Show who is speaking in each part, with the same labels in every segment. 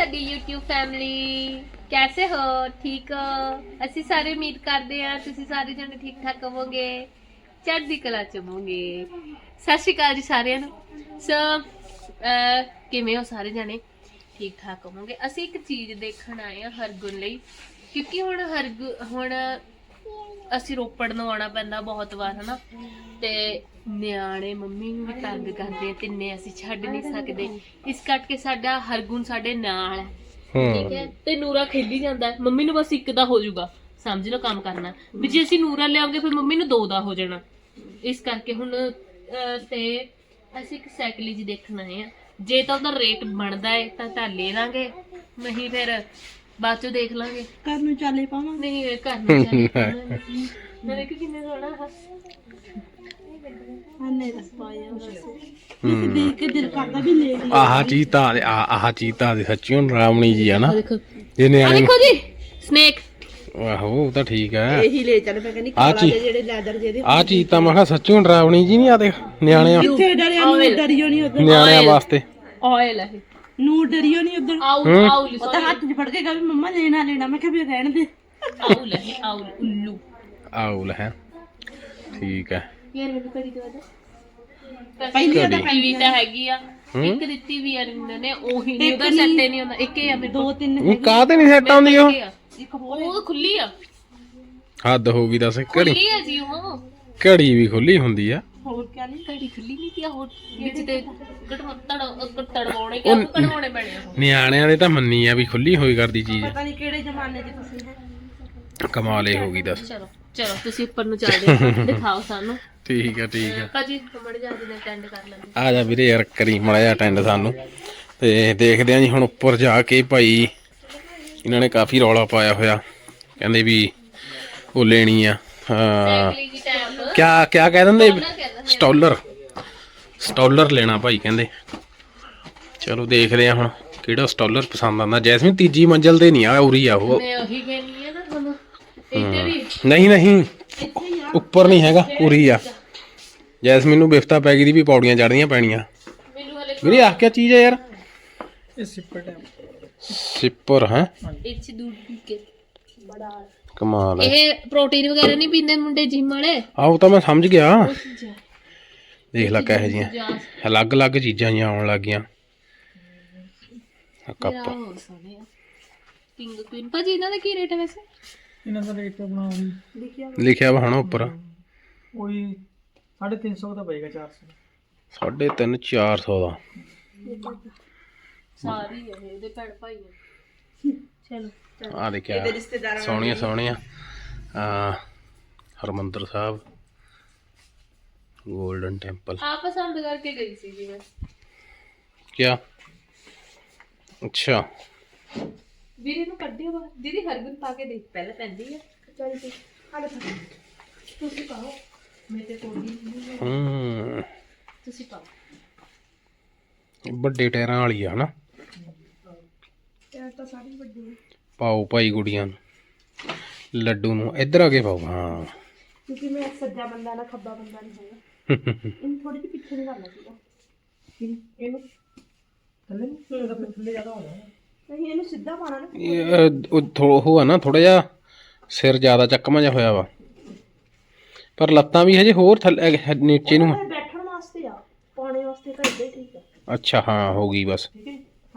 Speaker 1: ਸਾਡੀ YouTube family कैसे हो ठीक हो ਅਸੀਂ ਸਾਰੇ ਉਮੀਦ ਕਰਦੇ ਆ ਤੁਸੀਂ ਸਾਰੇ ਜਣੇ ਠੀਕ ਠਾਕ ਹੋਵੋਗੇ ਚੜ੍ਹਦੀ ਕਲਾ ਚ ਹੋਵੋਗੇ ਸਤਿ ਸ਼੍ਰੀ ਅਕਾਲ ਜੀ ਸਾਰਿਆਂ ਨੂੰ ਸੋ ਕਿਵੇਂ ਹੋ ਸਾਰੇ ਜਣੇ ਠੀਕ ਠਾਕ ਹੋਵੋਗੇ ਅਸੀਂ ਇੱਕ ਚੀਜ਼ ਦੇਖਣ ਆਏ ਆ ਹਰਗੁਣ ਲਈ ਕਿਉਂਕਿ ਹੁਣ ਅਸੀਂ ਰੋਪੜ ਨੂੰ ਆਉਣਾ ਪੈਂਦਾ ਬਹੁਤ ਵਾਰ ਹਨਾ ਤੇ ਨਿਆਣੇ ਮੰਮੀ ਨੂੰ ਵੀ ਤੰਗ ਕਰਦੇ ਆ ਤਿੰਨੇ ਅਸੀਂ ਛੱਡ ਨਹੀਂ ਸਕਦੇ ਇਸ ਕਰਕੇ ਸਾਡਾ ਹਰਗੁਣ ਸਾਡੇ ਨਾਲ ਹੈ ਠੀਕ ਹੈ ਤੇ ਨੂਰਾ ਖੇਡੀ ਜਾਂਦਾ ਮੰਮੀ ਨੂੰ ਬਸ ਇੱਕ ਦਾ ਹੋ ਜਾਊਗਾ ਸਮਝ ਲਓ ਕੰਮ ਕਰਨਾ ਵੀ ਜੇ ਅਸੀਂ ਨੂਰਾ ਲਿਆਉਂਗੇ ਫਿਰ ਮੰਮੀ ਨੂੰ ਦੋ ਦਾ ਹੋ ਜਾਣਾ ਇਸ ਕਰਕੇ ਹੁਣ ਤੇ ਅਸੀਂ ਇੱਕ ਸਾਈਕਲ ਜੀ ਦੇਖਣ ਆਏ ਆ ਜੇ ਤਾਂ ਉਹਦਾ ਰੇਟ ਬਣਦਾ ਹੈ ਤਾਂ ਲੈ ਲਾਂਗੇ ਨਹੀਂ ਫਿਰ ਬਾਅਦ ਚੋਂ ਦੇਖ ਲਾਂਗੇ
Speaker 2: ਘਰ ਨੂੰ ਚਾਲੇ ਪਾਵਾਂ
Speaker 1: ਨਹੀਂ ਘਰ ਨੂੰ ਚਾਲੇ ਮੇਰੇ ਕਿ ਕਿੰਨੇ ਸੋਹਣਾ
Speaker 2: ਆਨੇ ਰਸ ਪਾਇਆ ਵੈਸੇ ਦੇਖ ਕੇ ਦਿਲ ਕਰਦਾ ਵੀ ਲੈ ਲਈ
Speaker 3: ਆਹ ਚੀਜ਼ ਤਾਂ ਦੇ ਸੱਚੀਓ ਰਾਵਣੀ ਜੀ ਆ ਨਾ
Speaker 1: ਦੇਖੋ
Speaker 3: ਇਹਨੇ
Speaker 1: ਆ ਦੇਖੋ ਜੀ ਸਨੇਕ
Speaker 3: ਆਹੋ ਉਹ ਤਾਂ ਠੀਕ ਹੈ
Speaker 2: ਇਹੀ ਲੈ ਚੱਲ ਮੈਂ ਕਹਿੰਦੀ ਕਾਲਾ ਜਿਹੇ ਜਿਹੜੇ ਲੈਦਰ ਜਿਹਦੇ
Speaker 3: ਆਹ ਚੀਜ਼ ਤਾਂ ਮੈਂ ਕਿਹਾ ਸੱਚੀਓ ਡਰਾਵਣੀ ਜੀ ਨਹੀਂ ਆ ਦੇਖ ਨਿਆਣਿਆਂ
Speaker 2: ਕਿੱਥੇ ਡਰਿਆ ਨੂੰ ਡਰਿਓ ਨਹੀਂ ਉਧਰ
Speaker 3: ਨਿਆਣਿਆਂ ਵਾਸਤੇ
Speaker 1: ਆਇਲ ਹੈ
Speaker 2: ਨੂੰ ਡਰਿਓ ਨਹੀਂ ਉਧਰ
Speaker 1: ਆਉਲ
Speaker 2: ਉਹ ਤਾਂ ਹੱਥ 'ਚ ਫੜ ਕੇ ਕਹੇ ਮੰਮਾ ਲੈਣਾ ਮੈਂ ਕਿਹਾ ਵੀ ਰਹਿਣ ਦੇ
Speaker 1: ਆਉਲ ਹੈ ਆਉਲ ਉੱਲੂ
Speaker 3: ਆਉਲ ਹੈ ਠੀਕ ਹੈ
Speaker 1: ਯਾਰ ਮੈਨੂੰ ਕਰੀ ਦੋ
Speaker 2: ਪਹਿਲੀ
Speaker 1: ਉਹਦਾ ਪੀਵੀ ਤਾਂ ਹੈਗੀ ਆ ਇੱਕ ਦਿੱਤੀ ਵੀ ਯਾਰ ਇਹਨਾਂ ਨੇ ਉਹੀ ਨਹੀਂ ਉਹਦਾ ਸੈੱਟ ਨਹੀਂ ਹੁੰਦਾ ਇੱਕ ਹੀ ਆ ਮੇਰੇ
Speaker 2: ਦੋ ਤਿੰਨ
Speaker 3: ਉਹ ਕਾਹ ਤੇ ਨਹੀਂ ਸੈੱਟ ਆਉਂਦੀ ਉਹ
Speaker 2: ਇੱਕ ਹੋਰ
Speaker 1: ਉਹ ਖੁੱਲੀ ਆ
Speaker 3: ਹੱਦ ਹੋ ਗਈ ਦੱਸ ਘੜੀ
Speaker 1: ਖੁੱਲੀ ਆ ਜੀ ਉਹ
Speaker 3: ਘੜੀ ਵੀ ਖੁੱਲੀ ਹੁੰਦੀ ਆ
Speaker 2: ਹੋਰ ਕਿਆ ਨਹੀਂ
Speaker 1: ਘੜੀ ਖੁੱਲੀ ਨਹੀਂ ਕਿ ਹੋਰ ਵਿੱਚ ਤੇ ਤੜਵਾਉਣੇ ਕਿ ਉਹ ਕਢਵਾਉਣੇ ਪੈਣੇ ਆ
Speaker 3: ਨਿਆਣਿਆਂ ਦੇ ਤਾਂ ਮੰਨੀ ਆ ਵੀ ਖੁੱਲੀ ਹੋਈ ਕਰਦੀ ਚੀਜ਼
Speaker 2: ਪਤਾ ਨਹੀਂ ਕਿਹੜੇ ਜ਼ਮਾਨੇ 'ਚ ਤੁਸੀਂ ਹੈ
Speaker 3: ਕਮਾਲ ਹੋ ਗਈ ਦੱਸ
Speaker 1: ਚਲੋ ਤੁਸੀਂ ਉੱਪਰ ਨੂੰ ਚੱਲਦੇ ਦਿਖਾਓ ਸਾਨੂੰ
Speaker 3: ਠੀਕ ਆ
Speaker 1: ਭਾਜੀ ਮੜ ਜਾ ਜੀ ਅਟੈਂਡ ਕਰ ਲੈਂਦੇ
Speaker 3: ਆ ਜਾ ਵੀਰੇ ਯਾਰ ਕਰੀ ਮੜਾ ਜਾ ਅਟੈਂਡ ਸਾਨੂੰ ਤੇ ਦੇਖਦੇ ਆ ਜੀ ਹੁਣ ਉੱਪਰ ਜਾ ਕੇ ਭਾਈ ਇਹਨਾਂ ਨੇ ਕਾਫੀ ਰੌਲਾ ਪਾਇਆ ਹੋਇਆ ਕਹਿੰਦੇ ਵੀ ਉਹ ਲੈਣੀ ਆ ਕਿਆ ਕਹਿ ਦਿੰਦੇ ਸਟਾਲਰ ਲੈਣਾ ਭਾਈ ਕਹਿੰਦੇ ਚਲੋ ਦੇਖਦੇ ਆ ਹੁਣ ਕਿਹੜਾ ਸਟਾਲਰ ਪਸੰਦ ਆਉਂਦਾ ਜੈਸਮੀਨ ਤੀਜੀ ਮੰਜ਼ਲ ਤੇ ਨਹੀਂ ਆ ਉਰੀ ਆ ਉਹ
Speaker 1: ਮੈਂ ਉਹੀ ਕਹਿੰਨੀ ਆ ਨਾ ਤੁਹਾਨੂੰ ਇੱਥੇ ਵੀ
Speaker 3: ਨਹੀਂ ਉੱਪਰ ਨਹੀਂ ਹੈਗਾ ਉਰੀ ਆ ਜੈਸਮੀਨ ਨੂੰ ਬਿਫਤਾ ਪੈ ਗਈ ਦੀ ਵੀ ਪੌੜੀਆਂ ਚੜ੍ਹਨੀਆਂ ਪੈਣੀਆਂ
Speaker 1: ਮੈਨੂੰ ਹਲੇ
Speaker 3: ਵੀਰੇ ਆਹ ਕੀ ਚੀਜ਼ ਹੈ ਯਾਰ
Speaker 2: ਇਹ
Speaker 3: ਸਿੱਪਰ ਹੈ
Speaker 1: ਇੱਚ ਦੂਰ ਕੇ ਬੜਾ
Speaker 3: ਕਮਾਲ ਹੈ
Speaker 1: ਇਹ ਪ੍ਰੋਟੀਨ ਵਗੈਰਾ ਨਹੀਂ ਪੀਂਦੇ ਮੁੰਡੇ ਜਿਮ ਵਾਲੇ
Speaker 3: ਆਹ ਤਾਂ ਮੈਂ ਸਮਝ ਗਿਆ ਦੇਖ ਲੈ ਕਿਹੋ ਜਿਹੀਆਂ ਅਲੱਗ ਚੀਜ਼ਾਂ ਜਿਹੀਆਂ ਆਉਣ ਲੱਗ ਗਈਆਂ ਕੱਪ
Speaker 1: ਸੋਹਣੇ ਆ ਕਿੰਗ ਕੁਈਨ ਭਾਜੀ ਇਹਨਾਂ ਦਾ ਕੀ ਰੇਟ ਹੈ ਵੈਸੇ
Speaker 2: ਇਹਨਾਂ ਦਾ ਰੇਟ ਆਪਣਾ
Speaker 3: ਲਿਖਿਆ ਵਾ ਹਣਾ ਉੱਪਰ
Speaker 2: ਕੋਈ 350 ਦਾ ਪਏਗਾ 400
Speaker 3: 350-400 ਦਾ
Speaker 1: ਸਾਰੀ ਇਹਦੇ ਭੈਣ ਭਾਈ ਆ ਚਲੋ
Speaker 3: ਆ ਦੇਖਿਆ ਸੋਹਣੀਆਂ ਹਰਮੰਦਰ ਸਾਹਿਬ ਗੋਲਡਨ ਟੈਂਪਲ
Speaker 1: ਆ ਪਸੰਦ ਕਰਕੇ ਗਈ ਸੀ ਜੀ ਮੈਂ
Speaker 3: ਕਿਆ ਅੱਛਾ
Speaker 1: ਵੀਰੇ ਨੂੰ ਕੱਢਿਓ ਬਾਹਰ ਦੀਦੀ ਹਰਗੁਣ ਪਾ ਕੇ ਦੇਖ ਪਹਿਲਾਂ ਪੈਂਦੀ ਆ ਚੱਲ ਤੇ ਹਾਲੇ ਤੁਸੀਂ ਪਾਓ ਮੈਂ ਤੇ ਕੋਡੀ ਤੁਸੀਂ ਪਾਓ
Speaker 3: ਵੱਡੇ ਟਾਇਰਾਂ ਵਾਲੀ ਆ ਹਨਾ
Speaker 2: ਟਾਇਰ ਤਾਂ ਸਾਰੇ ਵੱਡੇ
Speaker 3: ਪਾਓ ਭਾਈ ਗੁੜੀਆਂ ਨੂੰ ਲੱਡੂ ਨੂੰ ਇੱਧਰ ਆ ਕੇ ਪਾਓ ਹਾਂ
Speaker 2: ਕਿਉਂਕਿ ਮੈਂ ਸੱਜਾ ਬੰਦਾ ਨਾ ਖੱਬਾ ਬੰਦਾ ਨਹੀਂ ਹੈਗਾ ਇਹਨੂੰ ਥੋੜੀ ਜਿਹੀ ਪਿੱਛੇ ਨੂੰ ਕਰਨਾ ਸੀਗਾ ਇਹਨੂੰ ਥੱਲੇ ਨੂੰ ਥੱਲੇ ਜ਼ਿਆਦਾ ਹੋਣਾ ਨਹੀਂ ਇਹਨੂੰ ਸਿੱਧਾ ਪਾਣਾ ਨਾ
Speaker 3: ਉਹ ਆ ਨਾ ਥੋੜਾ ਜਿਹਾ ਸਿਰ ਜ਼ਿਆਦਾ ਚੱਕਵਾਂ ਜਿਹਾ ਹੋਇਆ ਵਾ ਪਰ ਲੱਤਾਂ ਵੀ ਹਜੇ ਹੋਰ ਥੱਲੇ ਨੀਚੇ ਨੂੰ
Speaker 2: ਬੈਠਣ ਵਾਸਤੇ ਆ ਪਾਉਣੇ ਵਾਸਤੇ ਤਾਂ ਇੱਦਾਂ ਹੀ ਠੀਕ ਆ
Speaker 3: ਅੱਛਾ ਹਾਂ ਹੋ ਗਈ ਬਸ
Speaker 2: ਠੀਕ ਹੈ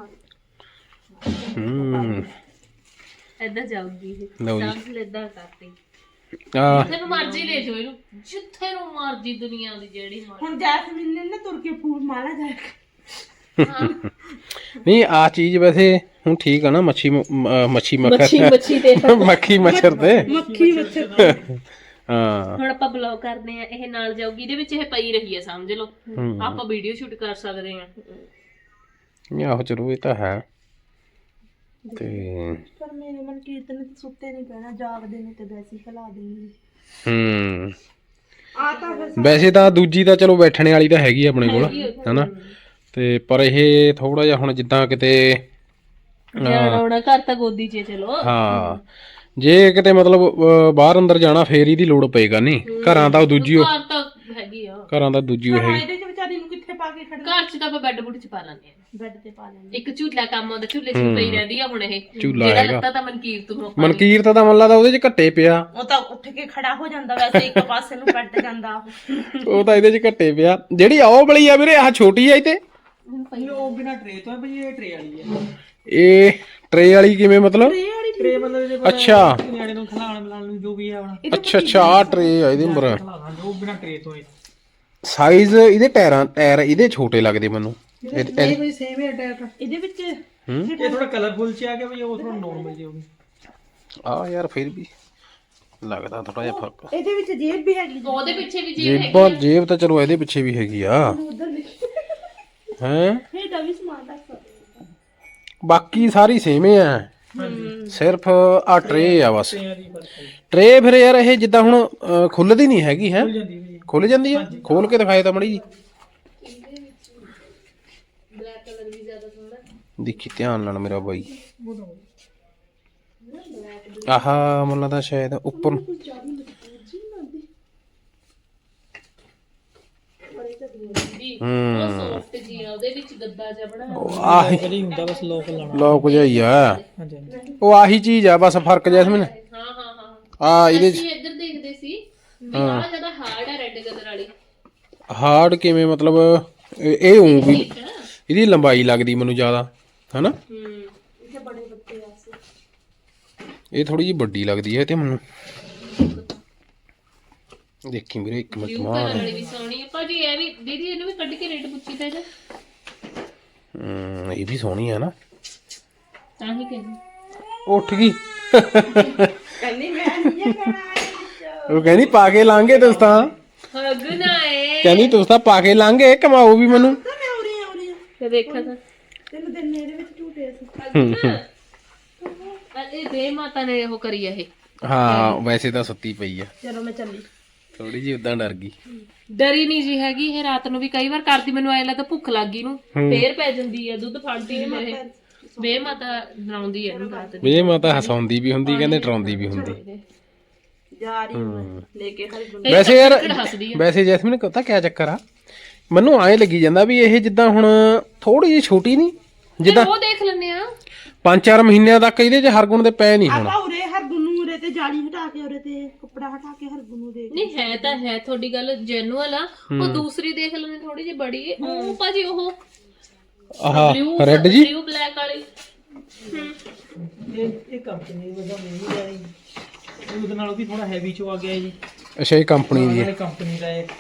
Speaker 1: ਏਦਾਂ ਜਾਊਗੀ ਇਹ
Speaker 3: ਲਓ ਜੀ
Speaker 1: ਸਮਝ ਲੈਦਾ ਕਰਤੀ
Speaker 3: ਆ
Speaker 1: ਜਿੱਥੇ ਨੂੰ ਮਰਜ਼ੀ ਲੈ ਜਾਓ ਇਹਨੂੰ ਜਿੱਥੇ ਨੂੰ ਮਰਜ਼ੀ ਦੁਨੀਆ ਦੀ ਜਿਹੜੀ ਮਰਜ਼ੀ
Speaker 2: ਹੁਣ ਜੈਸਮੀਨ ਨੇ ਨਾ ਤੁਰ ਕੇ ਫੂਲ ਮਾਰਾ ਜਾਏਗਾ
Speaker 3: ਨਹੀਂ ਆ ਚੀਜ਼ ਵੈਸੇ ਹੁਣ ਠੀਕ ਆ ਨਾ ਮੱਛੀ
Speaker 1: ਮੱਛੀ ਤੇ
Speaker 3: ਮੱਖੀ ਮੱਛਰ ਤੇ
Speaker 2: ਮੱਖੀ ਮੱਛਰ
Speaker 3: ਹਾਂ
Speaker 1: ਹੁਣ ਆਪਾਂ ਬਲੌਗ ਕਰਦੇ ਆ ਇਹ ਨਾਲ ਜਾਊਗੀ ਇਹਦੇ ਵਿੱਚ ਇਹ ਪਈ ਰਹੀ ਹੈ ਸਮਝ ਲਓ ਆਪਾਂ ਵੀਡੀਓ ਸ਼ੂਟ ਕਰ ਸਕਦੇ ਆ
Speaker 3: ਆਹੋ ਚਲੋ ਇਹ ਤਾਂ ਹੈ ਤੇ
Speaker 2: ਪਰ ਮੇਰੇ ਮਨ ਕੀਰਤਨ ਤੇ ਸੁੱਤੇ ਨਹੀਂ ਪੈਣਾ ਜਾਗਦੇ ਨੇ ਤੇ ਵੈਸੇ ਖਿਲਾ ਦੇਣਗੇ ਆ ਤਾਂ
Speaker 3: ਵੈਸੇ ਤਾਂ ਦੂਜੀ ਤਾਂ ਚਲੋ ਬੈਠਣੇ ਵਾਲੀ ਤਾਂ ਹੈਗੀ ਆਪਣੇ ਕੋਲ ਹਨਾ ਤੇ ਪਰ ਇਹ ਥੋੜਾ ਜਿਹਾ ਹੁਣ ਜਿੱਦਾਂ ਕਿਤੇ
Speaker 1: ਜਾਣਾ ਘਰ ਤਾਂ ਗੋਦੀ 'ਚ ਚਲੋ
Speaker 3: ਹਾਂ ਜੇ ਕਿਤੇ ਮਤਲਬ ਬਾਹਰ ਅੰਦਰ ਜਾਣਾ ਫੇਰ ਇਹਦੀ ਲੋੜ ਪਏਗਾ ਨਹੀਂ ਘਰਾਂ ਦਾ ਦੂਜੀ
Speaker 1: ਘਰ ਤਾਂ ਹੈਗੀ ਆ
Speaker 3: ਘਰਾਂ ਦਾ ਦੂਜੀ ਉਹ ਹੈਗੀ
Speaker 2: ਇਹਦੇ ਚ ਵਿਚਾਰੀ ਨੂੰ ਕਿੱਥੇ ਪਾ ਕੇ ਖੜਨਾ
Speaker 1: ਘਰ 'ਚ ਤਾਂ ਆਪਾਂ ਬੈੱਡ ਬੁੱਡ 'ਚ ਪਾ ਲੈਂਦੇ ਆ
Speaker 2: ਬੈੱਡ ਤੇ ਪਾ ਲੈਂਦੇ।
Speaker 1: ਇੱਕ ਝੂਲਾ ਕੰਮ ਆਉਂਦਾ, ਝੂਲੇ 'ਚ ਪਈ ਰਹਿੰਦੀ ਆ ਹੁਣ ਇਹ
Speaker 3: ਝੂਲਾ
Speaker 1: ਜਿਹੜਾ
Speaker 3: ਹੈਗਾ।
Speaker 1: ਲੱਤਾ ਤਾਂ ਮਨਕੀਰ ਤੋਂ
Speaker 3: ਮਨਕੀਰ ਤਾਂ ਮੈਨੂੰ ਲੱਗਦਾ ਉਹਦੇ 'ਚ ਘੱਟੇ ਪਿਆ,
Speaker 2: ਉਹ ਤਾਂ ਉੱਠ ਕੇ ਖੜਾ ਹੋ ਜਾਂਦਾ, ਵੈਸੇ ਇੱਕ ਪਾਸੇ ਨੂੰ ਪੱਟ ਜਾਂਦਾ
Speaker 3: ਉਹ ਤਾਂ ਇਹਦੇ 'ਚ ਘੱਟੇ ਪਿਆ। ਜਿਹੜੀ ਉਹ ਵਾਲੀ ਆ ਵੀਰੇ, ਆਹ ਛੋਟੀ ਆ ਇਹ ਤੇ
Speaker 4: ਉਹ ਬਿਨਾ ਟਰੇ ਤੋਂ ਹੈ ਭਾਈ, ਇਹ ਟਰੇ ਵਾਲੀ ਹੈ।
Speaker 3: ਇਹ ਟਰੇ ਵਾਲੀ ਕਿਵੇਂ ਮਤਲਬ?
Speaker 4: ਟਰੇ ਮਤਲਬ ਇਹਦੇ
Speaker 3: ਅੱਛਾ
Speaker 4: ਨਿਆਣੇ ਨੂੰ ਖਿਲਾਉਣ ਮਿਲਾਉਣ ਨੂੰ ਜੋ ਵੀ ਹੈ ਆਪਣਾ
Speaker 3: ਅੱਛਾ ਆਹ ਟਰੇ ਆ ਇਹਦੇ ਉੱਪਰ।
Speaker 4: ਖਿਲਾਉਣਾ ਜੋ ਬਿਨਾ ਟਰੇ ਤੋਂ ਹੈ।
Speaker 3: ਸਾਈਜ਼ ਇਹਦੇ ਟਾਇਰ ਇਹਦੇ ਛੋਟੇ ਲੱਗਦੇ ਮੈਨੂੰ।
Speaker 4: ਇਹ ਵੀ ਸੇਮ ਹੈ ਟਾਇਰ।
Speaker 2: ਇਹਦੇ ਵਿੱਚ
Speaker 4: ਇਹ ਥੋੜਾ ਕਲਰਫੁਲ ਚ ਆ ਗਿਆ ਭਾਈ, ਉਹ ਥੋੜਾ ਨਾਰਮਲ ਜਿਹਾ ਹੋ ਗਿਆ।
Speaker 3: ਆ ਯਾਰ ਫਿਰ ਵੀ ਲੱਗਦਾ ਥੋੜਾ ਜਿਹਾ ਫਰਕ।
Speaker 2: ਇਹਦੇ ਵਿੱਚ ਜੇਬ ਵੀ ਹੈਗੀ।
Speaker 1: ਉਹਦੇ ਪਿੱਛੇ ਵੀ ਜੇਬ ਹੈਗੀ
Speaker 3: ਜੇਬ ਤਾਂ ਚਲੋ ਇਹਦੇ ਪਿੱਛੇ ਵੀ ਹੈਗੀ ਆ ਹੈ।
Speaker 2: ਇਹ ਦਾ ਵੀ ਸਮਾਨ ਰੱਖ ਸਕਦੇ ਹਾਂ।
Speaker 3: ਬਾਕੀ ਸਾਰੀ ਸੇਮ ਹੀ ਆ, ਸਿਰਫ ਆ ਟਰੇ ਆ ਬਸ।
Speaker 4: ਟਰੇਆਂ ਦੀ ਫਰਕ ਹੈ।
Speaker 3: ਟਰੇ ਫਿਰ ਯਾਰ ਇਹ ਜਿੱਦਾਂ ਹੁਣ ਖੁੱਲਦੀ ਨਹੀਂ ਹੈਗੀ ਹੈ,
Speaker 4: ਖੁੱਲ ਜਾਂਦੀ ਹੈ।
Speaker 3: ਖੁੱਲ ਜਾਂਦੀ ਆ? ਖੋਲ ਕੇ ਦਿਖਾਏ ਤਾਂ ਮੜੀ ਜੀ,
Speaker 1: ਬਲੈਕ ਕਲਰ ਵੀ ਜ਼ਿਆਦਾ ਸੋਹਣਾ।
Speaker 3: ਦੇਖੀ ਧਿਆਨ ਨਾਲ ਮੇਰਾ ਬਾਈ। ਆਹਾ ਮੈਨੂੰ ਲੱਗਦਾ ਸ਼ਾਇਦ ਉੱਪਰ ਨੂੰ।
Speaker 1: ਉਹ ਸੌਫਟ ਜੀ ਆ, ਉਹਦੇ ਵਿੱਚ ਗੱਦਾ ਜਿਹਾ ਬਣਾਇਆ।
Speaker 3: ਆਹੀ
Speaker 4: ਕਦੀ ਹੁੰਦਾ ਬਸ ਲੋਕ ਲਾਉਣਾ।
Speaker 3: ਲੋਕ ਜਾਈ ਆ,
Speaker 4: ਹਾਂਜੀ ਹਾਂਜੀ।
Speaker 3: ਉਹ ਆਹੀ ਚੀਜ਼ ਆ ਬਸ, ਫਰਕ ਜੈਸਮੀਨ
Speaker 1: ਹਾਂ ਹਾਂ ਹਾਂ
Speaker 3: ਆ ਇਹਦੇ
Speaker 1: ਅਸੀਂ ਇੱਧਰ ਦੇਖਦੇ ਸੀ ਵੀ ਆਹ ਜ਼ਿਆਦਾ ਹਾਰਡ ਆ ਰੈੱਡ ਕਲਰ ਵਾਲੀ।
Speaker 3: ਹਾਰਡ ਕਿਵੇਂ ਮਤਲਬ? ਇਹ ਉਂ ਵੀ ਇਹਦੀ ਲੰਬਾਈ ਲੱਗਦੀ ਮੈਨੂੰ ਜ਼ਿਆਦਾ, ਹਨਾ? ਇਹ ਥੋੜੀ ਜਿਹੀ ਵੱਡੀ ਲੱਗਦੀ ਹੈ ਤੇ ਮੈਨੂੰ। ਦੇਖੀ ਵੀਰੇ ਇੱਕ ਮਿੰਟ
Speaker 1: ਬਲੂ
Speaker 3: ਮਾਰ।
Speaker 1: ਕਲਰ ਵਾਲੀ ਵੀ ਸੋਹਣੀ ਆ ਭਾਜੀ। ਇਹ ਵੀ ਦੀਦੀ ਇਹਨੂੰ ਵੀ ਕੱਢ ਕੇ ਰੇਟ ਪੁੱਛੀ ਤਾਂ ਇਹਦਾ।
Speaker 3: ਇਹ ਵੀ ਸੋਹਣੀ ਹੈ ਨਾ।
Speaker 1: ਤਾਂ ਹੀ ਕਹਿੰਦੀ
Speaker 3: ਉੱਠ ਗਈ,
Speaker 2: ਕਹਿੰਦੀ ਮੈਂ ਨਹੀਂ ਕਹਿਣਾ।
Speaker 3: ਉਹ ਕਹਿੰਦੀ ਪਾ ਕੇ ਲਾਂਗੇ ਤੁਸੀਂ ਤਾਂ,
Speaker 1: ਹੱਗ ਨਾ ਏ
Speaker 3: ਕਹਿੰਦੀ ਤੁਸੀਂ ਤਾਂ ਪਾ ਕੇ ਲਾਂਗੇ, ਕਮਾਓ ਵੀ ਮੈਨੂੰ।
Speaker 2: ਮੈਂ ਉਰੀ ਆ
Speaker 1: ਤੇ ਦੇਖਾ ਤਾਂ
Speaker 2: ਤੈਨੂੰ ਦਿਨ ਇਹਦੇ ਵਿੱਚ ਝੂਟੇ ਸੀ।
Speaker 1: ਇਹ ਦੇ ਮਾਤਾ ਨੇ ਉਹ ਕਰੀ ਆ ਇਹ।
Speaker 3: ਹਾਂ ਵੈਸੇ ਤਾਂ ਸੁੱਤੀ ਪਈ ਆ,
Speaker 2: ਚਲੋ ਮੈਂ ਚੱਲੀ।
Speaker 3: ਥੋੜੀ ਜਿਹੀ ਉਦਾਂ ਡਰ ਗਈ।
Speaker 1: ਡਰੀ ਨਹੀਂ ਜੀ ਹੈਗੀ ਇਹ। ਰਾਤ ਨੂੰ ਵੀ ਕਈ ਵਾਰ ਕਰਦੀ, ਮੈਨੂੰ ਐ ਲੱਗਦਾ ਭੁੱਖ ਲੱਗ ਗਈ ਨੂੰ, ਫੇਰ ਪੈ ਜਾਂਦੀ ਆ, ਦੁੱਧ ਫੜਦੀ ਨਹੀਂ ਮੇਰੇ। ਵੇ ਮਾਤਾ ਡਰਾਉਂਦੀ ਐ ਇਹਨੂੰ ਰਾਤ ਨੂੰ।
Speaker 3: ਇਹ ਮਾਤਾ ਹਸਾਉਂਦੀ ਵੀ ਹੁੰਦੀ, ਕਹਿੰਦੇ ਡਰਾਉਂਦੀ ਵੀ ਹੁੰਦੀ।
Speaker 2: ਜਾ ਰਹੀ ਹਾਂ ਲੈ ਕੇ ਹਰ ਗੁਣ।
Speaker 3: ਵੈਸੇ ਯਾਰ,
Speaker 1: ਹੱਸਦੀ ਆ।
Speaker 3: ਵੈਸੇ ਜੈਸਮੀਨ ਪਤਾ ਕਿਆ ਚੱਕਰ ਆ, ਮੈਨੂੰ ਐਂ ਲੱਗੀ ਜਾਂਦਾ ਵੀ ਇਹ ਜਿੱਦਾਂ ਹੁਣ ਥੋੜੀ ਜਿਹੀ ਛੋਟੀ ਨਹੀਂ, ਜਿੱਦਾਂ
Speaker 1: ਉਹ ਦੇਖ ਲੈਂਦੇ ਆ
Speaker 3: 5-4 ਮਹੀਨਿਆਂ ਤੱਕ ਇਹਦੇ 'ਚ ਹਰਗੁਣ ਦੇ ਪੈ ਨਹੀਂ ਹੋਣਾ।
Speaker 2: ਆਪਾਂ ਉਰੇ ਹਰ ਗੁੰਨੂ ਉਰੇ ਤੇ ਜਾਲੀ ਹਟਾ ਕੇ ਉਰੇ ਤੇ ਕੱਪੜਾ ਹਟਾ ਕੇ ਹਰ ਗੁੰਨੂ ਦੇ।
Speaker 1: ਨਹੀਂ ਹੈ ਤਾਂ ਹੈ, ਤੁਹਾਡੀ ਗੱਲ ਜੈਨੂਅਲ ਆ। ਉਹ ਦੂਸਰੀ ਦੇਖ ਲੈਂਦੇ ਥੋੜੀ ਜਿਹੀ ਬੜੀ ਹੈ ਉਹ ਭਾਜੀ। ਉਹ
Speaker 3: ਆਹ ਰੈੱਡ ਜੀ,
Speaker 1: ਬਲੂ ਬਲੈਕ ਵਾਲੀ।
Speaker 4: ਇਹ ਕੰਪਨੀ ਵਜਾ ਨਹੀਂ ਹੈ ਜੀ। ਉਹਦੇ ਨਾਲੋਂ ਵੀ ਥੋੜਾ ਹੈਵੀ ਚ ਆ ਗਿਆ ਜੀ।
Speaker 3: ਅੱਛਾ ਇਹ ਕੰਪਨੀ ਦੀ ਹੈ।
Speaker 4: ਇਹ ਕੰਪਨੀ ਦਾ ਹੈ।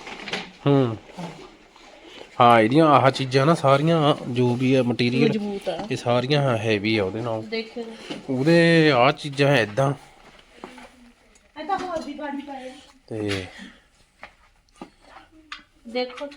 Speaker 3: ਹਾਂ ਇਹਦੀਆਂ ਆਹ ਚੀਜ਼ਾਂ ਨਾ ਸਾਰੀਆਂ ਜੋ ਵੀ ਹੈ ਮਟੀਰੀਅਲ,
Speaker 1: ਮਜ਼ਬੂਤ ਆ।
Speaker 3: ਇਹ ਸਾਰੀਆਂ ਹੈਵੀ ਆ ਉਹਦੇ ਨਾਲ।
Speaker 1: ਦੇਖਿਓ
Speaker 3: ਉਹਦੇ ਆਹ ਚੀਜ਼ਾਂ ਇਦਾਂ
Speaker 2: ਇਹ ਤਾਂ ਹੋਰ ਵੀ ਗਾੜੀ ਪਾਏ।
Speaker 3: ਤੇ
Speaker 1: ਦੇਖੋ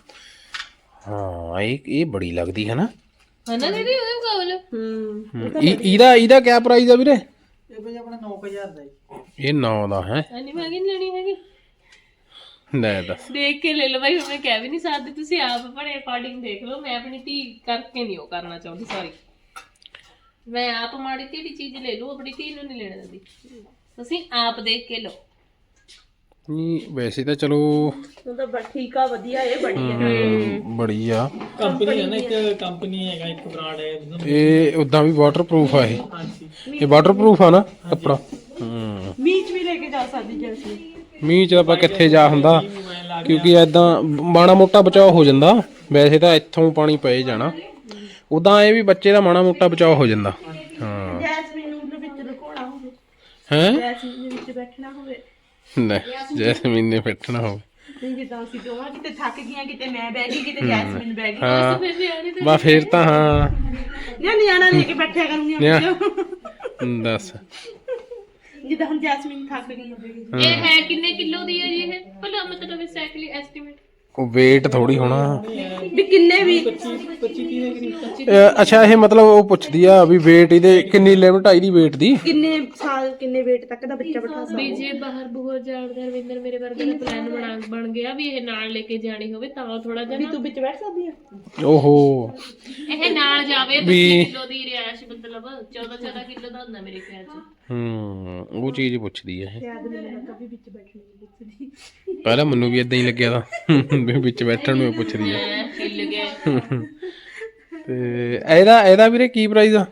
Speaker 3: ਹਾਂ ਇਹ ਬੜੀ ਲੱਗਦੀ ਹੈ ਨਾ।
Speaker 1: ਹਨਾ ਦੀਦੀ ਉਹਦੇ ਮੁਕਾਬਲੇ।
Speaker 3: ਇਹਦਾ ਕਿਆ ਪ੍ਰਾਈਸ ਆ ਵੀਰੇ?
Speaker 4: ਇਹ ਭਾਈ ਆਪਣਾ 9000 ਦਾ ਹੈ।
Speaker 3: ਇਹ 9 ਦਾ ਹੈ।
Speaker 1: ਇੰਨੀ ਮਹਿੰਗੀ ਨਹੀਂ ਲੈਣੀ ਹੈਗੀ।
Speaker 3: ਲੈ ਦੱਸ,
Speaker 1: ਦੇਖ ਕੇ ਲੈ ਲਓ ਭਾਈ, ਮੈਂ ਕਹਿ ਵੀ ਨਹੀਂ ਸਕਦੀ। ਤੁਸੀਂ ਆਪ ਆਪਣੇ ਅਕੋਰਡਿੰਗ ਦੇਖ ਲਓ। ਮੈਂ ਆਪਣੀ ਧੀ ਕਰਕੇ ਨਹੀਂ ਉਹ ਕਰਨਾ ਚਾਹੁੰਦੀ। ਸੌਰੀ, ਮੈਂ ਆਪ ਮਾੜੀ ਢੀੜੀ ਚੀਜ਼ ਲੈ ਲੂ, ਆਪਣੀ ਧੀ ਨੂੰ ਨਹੀਂ ਲੈਣ ਦਿੰਦੀ। ਤੁਸੀਂ ਆਪ ਦੇਖ ਕੇ ਲਓ।
Speaker 3: ਨਹੀਂ ਵੈਸੇ ਤਾਂ ਚਲੋ
Speaker 2: ਉਹ ਤਾਂ ਠੀਕ ਆ, ਵਧੀਆ ਇਹ ਬੜੀ ਹੈ।
Speaker 3: ਬੜੀ ਆ
Speaker 4: ਕੰਪਨੀ ਹੈ ਨਾ, ਇੱਕ ਕੰਪਨੀ ਹੈਗਾ, ਇੱਕ ਬ੍ਰਾਂਡ ਹੈ ਮਤਲਬ।
Speaker 3: ਇਹ ਉਦਾਂ ਵੀ ਵਾਟਰਪ੍ਰੂਫ ਆ ਇਹ।
Speaker 4: ਹਾਂਜੀ
Speaker 3: ਇਹ ਵਾਟਰਪ੍ਰੂਫ ਆ ਨਾ ਕੱਪੜਾ।
Speaker 2: ਮੀਚ ਵੀ ਲੈ ਕੇ ਜਾ ਸਕਦੀ ਜੈਸੀ।
Speaker 3: ਮੀਂਹ ਚ ਆਪਾਂ ਕਿੱਥੇ ਜਾ ਹੁੰਦਾ, ਕਿਉਂਕਿ ਐਦਾਂ ਮਾੜਾ ਮੋਟਾ ਬਚਾਅ ਹੋ ਜਾਂਦਾ। ਵੈਸੇ ਤਾਂ ਇੱਥੋਂ ਪਾਣੀ ਪਏ ਜਾਣਾ, ਉਦਾਂ ਇਹ ਵੀ ਬੱਚੇ ਦਾ ਮਾੜਾ ਮੋਟਾ ਬਚਾਅ ਹੋ ਜਾਂਦਾ। ਹਾਂ
Speaker 2: ਜੈਸਮੀਨ ਨੂੰ ਵਿੱਚ ਲੁਕਾਉਣਾ ਹੋਵੇ,
Speaker 3: ਹੈ
Speaker 2: ਜੈਸਮੀਨ ਦੇ ਵਿੱਚ ਬੈਠਣਾ ਹੋਵੇ।
Speaker 3: ਜੈਸਮੀਨ ਨੇ ਬੈਠਣਾ ਹੋਵੇ।
Speaker 2: ਨਹੀਂ ਜਿੱਦਾਂ ਅਸੀਂ ਦੋਵਾਂ ਕਿਤੇ ਥੱਕ ਗਈਆਂ, ਕਿਤੇ ਮੈਂ ਬਹਿ ਗਈ, ਕਿਤੇ ਜੈਸਮੀਨ ਬਹਿ ਗਈ।
Speaker 3: ਹਾਂ
Speaker 1: ਫਿਰ ਨਿਆਣੇ ਤੇ
Speaker 3: ਬਸ ਫਿਰ ਤਾਂ ਹਾਂ
Speaker 2: ਨਾ ਨਿਆਣਾ ਲੈ ਕੇ ਬੈਠਿਆ ਕਰੂੰਗੀ
Speaker 3: ਦੱਸ।
Speaker 2: ਜਿੱਦਾਂ ਹੁਣ ਜੈਸਮੀਨ ਥੱਕ ਗਈ ਹੋਵੇਗੀ।
Speaker 1: ਇਹ ਹੈ ਕਿੰਨੇ ਕਿਲੋ ਦੀ ਹੈ ਜੀ ਇਹ? ਭਲਾ ਮਤਲਬ ਐਗਜ਼ੈਕਟਲੀ ਐਸਟੀਮੇਟ
Speaker 3: ਉਹ weight ਥੋੜੀ ਹੋਣਾ।
Speaker 2: ਵੀ ਕਿੰਨੇ ਵੀ
Speaker 4: 25-30 ਦੇ ਕਰੀਬ।
Speaker 3: ਅੱਛਾ ਇਹ ਮਤਲਬ ਉਹ ਪੁੱਛਦੀ ਆ ਵੀ weight ਇਹਦੇ ਕਿੰਨੀ ਲਿਮਟ ਆ ਇਹਦੀ weight ਦੀ?
Speaker 2: ਕਿੰਨੇ ਸਾਲ ਕਿੰਨੇ weight ਤੱਕ ਦਾ ਬੱਚਾ ਬਿਠਾ ਸਕਦਾ?
Speaker 1: ਵੀ ਜੇ ਬਾਹਰ ਬਹੁਤ ਜਾਣਦਾ ਰਵਿੰਦਰ ਮੇਰੇ ਵਰਗੇ ਦਾ ਪਲਾਨ ਬਣ ਗਿਆ ਵੀ ਇਹ ਨਾਲ ਲੈ ਕੇ ਜਾਣੀ ਹੋਵੇ ਤਾਂ ਥੋੜਾ
Speaker 2: ਵੀ
Speaker 1: ਜਿਹਾ
Speaker 2: ਤੂੰ ਵਿੱਚ ਬੈਠ ਸਕਦੀ ਆ?
Speaker 3: ਓਹੋ
Speaker 1: ਇਹ ਨਾਲ ਜਾਵੇ। 25 ਕਿਲੋ ਦੀ ਰਿਆਸ਼ ਮਤਲਬ 14 ਕਿਲੋ ਦਾ ਹੁੰਦਾ ਮੇਰੇ ਖਿਆਲ ਚ।
Speaker 3: ਉਹ ਚੀਜ਼ ਪੁੱਛਦੀ ਆ ਇਹ।
Speaker 2: ਸ਼ਾਇਦ ਮੈਨੂੰ ਕभी ਵਿੱਚ ਬੈਠਣ ਦੀ ਪੁੱਛਦੀ।
Speaker 3: ਪਹਿਲਾਂ ਮੈਨੂੰ ਵੀ ਇਦਾਂ ਹੀ ਲੱਗਿਆ ਤਾਂ ਵੀ ਵਿੱਚ ਬੈਠਣ ਨੂੰ ਪੁੱਛਦੀ ਆ।
Speaker 1: ਹਿੱਲ ਗਏ।
Speaker 3: ਤੇ ਇਹਦਾ ਵੀਰੇ ਕੀ ਪ੍ਰਾਈਸ ਆ?